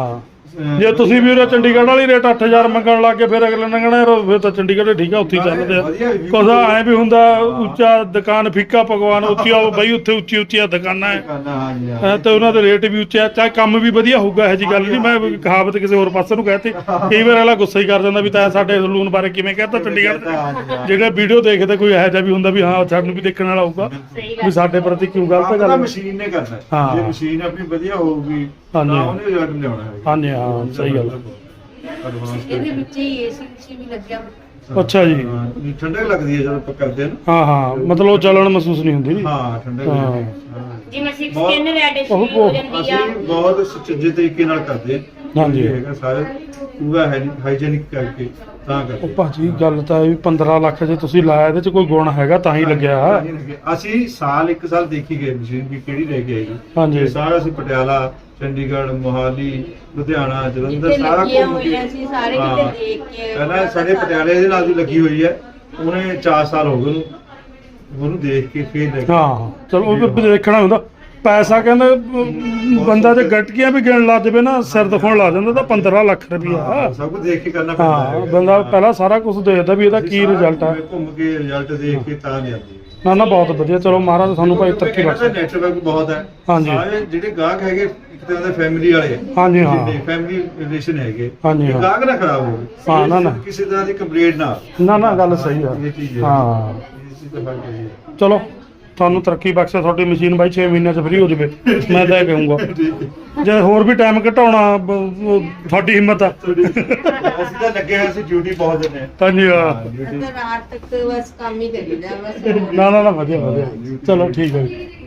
ਜੇ ਤੁਸੀਂ ਵੀ ਉਰੇ ਚੰਡੀਗੜ੍ਹ ਵਾਲੀ ਰੇਟ 8000 ਮੰਗਣ ਲੱਗ ਗਏ ਫਿਰ ਅਗਲੇ ਨੇ ਕਹਿਣਾ ਯਾਰ ਫਿਰ ਤਾਂ ਚੰਡੀਗੜ੍ਹ ਠੀਕ ਆ ਉੱਥੇ ਹੀ ਚੱਲਦੇ ਆ
ਵਧੀਆ review
ਕੁਛ ਐ ਵੀ ਹੁੰਦਾ ਉੱਚਾ ਦੁਕਾਨ ਫਿੱਕਾ ਪਕਵਾਨ ਉੱਚੀ ਆ ਬਈ ਉੱਥੇ ਉੱਚੀ ਉੱਚੀਆਂ ਦੁਕਾਨਾਂ ਹੈ
ਹਾਂਜੀ
ਤੇ ਉਹਨਾਂ ਦੇ ਰੇਟ ਵੀ ਉੱਚੇ ਆ ਚਾਹੇ ਕੰਮ ਵੀ ਵਧੀਆ ਹੋਊਗਾ ਇਹੋ ਜੀ ਗੱਲ ਨਹੀਂ ਮੈਂ ਕਹਾਵਤ ਕਿਸੇ ਹੋਰ ਪਾਸੇ ਨੂੰ ਕਹਿਤੀ ਕਈ ਵਾਰ ਅਗਲਾ ਗੁੱਸਾ ਹੀ ਕਰ ਜਾਂਦਾ ਵੀ ਤਾਂ ਸਾਡੇ ਸਲੂਨ ਬਾਰੇ ਕਿਵੇਂ ਕਹਿਤਾ ਚੰਡੀਗੜ੍ਹ ਦੇ। ਜਿਹੜੇ ਵੀਡੀਓ ਦੇਖਦੇ ਕੋਈ ਇਹੋ ਜਿਹਾ ਵੀ ਹੁੰਦਾ ਵੀ ਹਾਂ ਸਾਨੂੰ ਵੀ ਦੇਖਣ ਵਾਲਾ ਹੋਊਗਾ ਵੀ ਸਾਡੇ ਪ੍ਰਤੀ ਕਿਉਂ ਗਲਤ
ਆਪਣਾ
ਗੱਲ
ਮਸ਼ੀਨ ਨੇ ਕਰਨਾ ਹੈ।
ਹਾਂ।
ਜੇ ਮਸ਼ੀਨ ਆਪਣੀ ਵਧੀਆ ਹੋਊਗੀ ਤਾਂ
ਹਾਂਜੀ।
ਉਹਨੇ ਰਿਜ਼ਲਟ ਲਿਆਉਣਾ ਹੈ
ਹਾਂਜੀ ਹਾਂ ਸਹੀ ਗੱਲ
ਐਡਵਾਂਸ
ਇਹਦੇ ਵਿੱਚ ਹੀ ਏਸੀ ਵੀ ਲੱਗਿਆ
ਅੱਛਾ ਜੀ
ਠੰਡਕ ਲੱਗਦੀ ਹੈ ਜਦੋਂ ਆਪਾਂ ਕਰਦੇ ਹਾਂ ਨਾ।
ਹਾਂ ਹਾਂ ਮਤਲਬ ਉਹ ਚੱਲਣ ਮਹਿਸੂਸ ਨਹੀਂ ਹੁੰਦੀ ਜੀ
ਹਾਂ ਠੰਡਕ
ਹਾਂ।
ਲੱਗਦੀ ਹੈ।
ਜਿਵੇਂ 6
ਬਹੁਤ-
ਸਕਿਨ ਰੈਡਿਸ਼
ਉਹ-
ਹੋ ਜਾਂਦੀ ਆ
ਅਸੀਂ ਬਹੁਤ ਸੁਚੱਜੇ ਤਰੀਕੇ ਨਾਲ ਕਰਦੇ ਹਾਂ।
ਹਾਂਜੀ।
ਇਹ ਹੈਗਾ ਸਾਰੇ ਪੂਰਾ ਹਾਈਜੀਨਿਕ ਕਰਕੇ ਤਾਂ
ਉਹ
ਕਰਦੇ
ਭਾਜੀ ਗੱਲ ਤਾਂ ਇਹ ਵੀ 15 ਲੱਖ ਜੇ ਤੁਸੀਂ ਲਾਇਆ ਇਹਦੇ ਚ ਕੋਈ ਗੁਣ ਹੈਗਾ ਤਾਂ ਹੀ ਲੱਗਿਆ
ਅਸੀਂ ਸਾਲ ਇੱਕ ਸਾਲ ਦੇਖੀ ਗਏ ਮਸ਼ੀਨ ਵੀ ਕਿਹੜੀ ਲੈ ਕੇ ਆਈ
ਹਾਂਜੀ।
ਤੇ ਸਾਰਾ ਅਸੀਂ ਪਟਿਆਲਾ ਚੰਡੀਗੜ੍ਹ ਮੋਹਾਲੀ ਲੁਧਿਆਣਾ ਜਲੰਧਰ
ਜਿੱਥੇ
ਸਾਰਾ
ਲੱਗੀਆਂ
ਘੁੰਮ ਕੇ
ਹੋਈਆਂ ਸੀ ਸਾਰੇ
ਹਾਂ।
ਕਿਤੇ ਦੇਖ ਕੇ
ਪਹਿਲਾਂ ਸਾਡੇ ਪਟਿਆਲੇ ਦੇ ਨਾਲ ਵੀ ਲੱਗੀ ਹੋਈ ਹੈ ਉਹਨੇ 4 ਸਾਲ ਹੋ ਗਏ ਉਹਨੂੰ ਦੇਖ ਕੇ ਫੇਰ ਲੈ ਕੇ
ਹਾਂ ਚਲੋ ਉਹ ਵੀ ਦੇਖਣਾ ਹੁੰਦਾ ਪੈਸਾ ਕਹਿੰਦੇ ਬੰਦਾ ਜੇ ਗਟਕੀਆਂ ਵੀ ਗਿਣ ਲਾ ਜਾਵੇ ਨਾ ਸਿਰ ਦਿਖਾਉਣ ਲੱਗ ਜਾਂਦਾ ਤਾਂ 15 ਲੱਖ ਰੁਪਈਆ
ਹਾਂ, ਸਭ ਕੁਝ ਦੇਖ ਕੇ ਕਰਨਾ ਪੈਂਦਾ
ਹਾਂ
ਹੈਗਾ।
ਬੰਦਾ ਪਹਿਲਾਂ ਸਾਰਾ ਕੁਝ ਦੇਖਦਾ ਵੀ ਇਹਦਾ
ਅਸੀਂ
ਕੀ
ਸਾਰਾ
ਰਿਜ਼ਲਟ ਆ
ਘੁੰਮ ਕੇ ਰਿਜ਼ਲਟ ਦੇਖ ਕੇ ਤਾਂ ਲਿਆਂਦੀ
ਨਾ ਨਾ ਬਹੁਤ ਵਧੀਆ ਚਲੋ ਮਹਾਰਾਜ ਸਾਨੂੰ ਭਾਈ ਤਰੱਕੀ ਬਖਸ਼ੇ
ਨੈਟਵਰਕ ਬਹੁਤ ਹੈ
ਹਾਂਜੀ।
ਸਾਰੇ ਜਿਹੜੇ ਗਾਹਕ ਹੈਗੇ ਇੱਕ ਤਰ੍ਹਾਂ ਦੇ ਫੈਮਿਲੀ ਵਾਲੇ
ਹਾਂਜੀ ਹਾਂ
ਫੈਮਿਲੀ ਰਿਲੇਸ਼ਨ ਹੈਗੇ
ਹਾਂਜੀ,
ਇਹ
ਹਾਂ।
ਗਾਹਕ ਨਾ ਖਰਾਬ ਹੋਵੇ
ਹਾਂ, ਨਾ, ਨਾ।
ਕਿਸੇ ਤਰ੍ਹਾਂ ਦੀ ਕੰਪਲੇਂਟ ਨਾ ਆਵੇ।
ਨਾ ਨਾ ਗੱਲ ਸਹੀ ਆ
ਇਹ ਚੀਜ਼ ਹੈ
ਹਾਂ
ਇਹ ਚੀਜ਼ ਤਾਂ ਫਰਕ ਹੈ
ਚਲੋ ਤੁਹਾਨੂੰ ਤਰੱਕੀ ਬਖਸ਼ੇ ਤੁਹਾਡੀ ਮਸ਼ੀਨ ਬਾਈ 6 ਮਹੀਨਿਆਂ ਚ ਫ੍ਰੀ ਹੋ ਜਾਵੇ ਮੈਂ ਤਾਂ ਇਹ ਕਹੂੰਗਾ ਜੇ ਹੋਰ ਵੀ ਟਾਈਮ ਘਟਾਉਣਾ ਤੁਹਾਡੀ ਹਿੰਮਤ ਆ
ਅਸੀਂ ਤਾਂ ਲੱਗੇ ਹੋਏ ਸੀ ਡਿਊਟੀ ਬਹੁਤ ਦਿੰਦੇ
ਹਾਂਜੀ ਹਾਂ
ਡਿਊਟੀ
ਰਾਤ ਤੱਕ ਬਸ ਕੰਮ ਹੀ ਕਰੀਦਾ ਬਸ
ਨਾ ਨਾ ਨਾ ਵਧੀਆ ਵਧੀਆ ਚਲੋ ਠੀਕ ਹੈ ਜੀ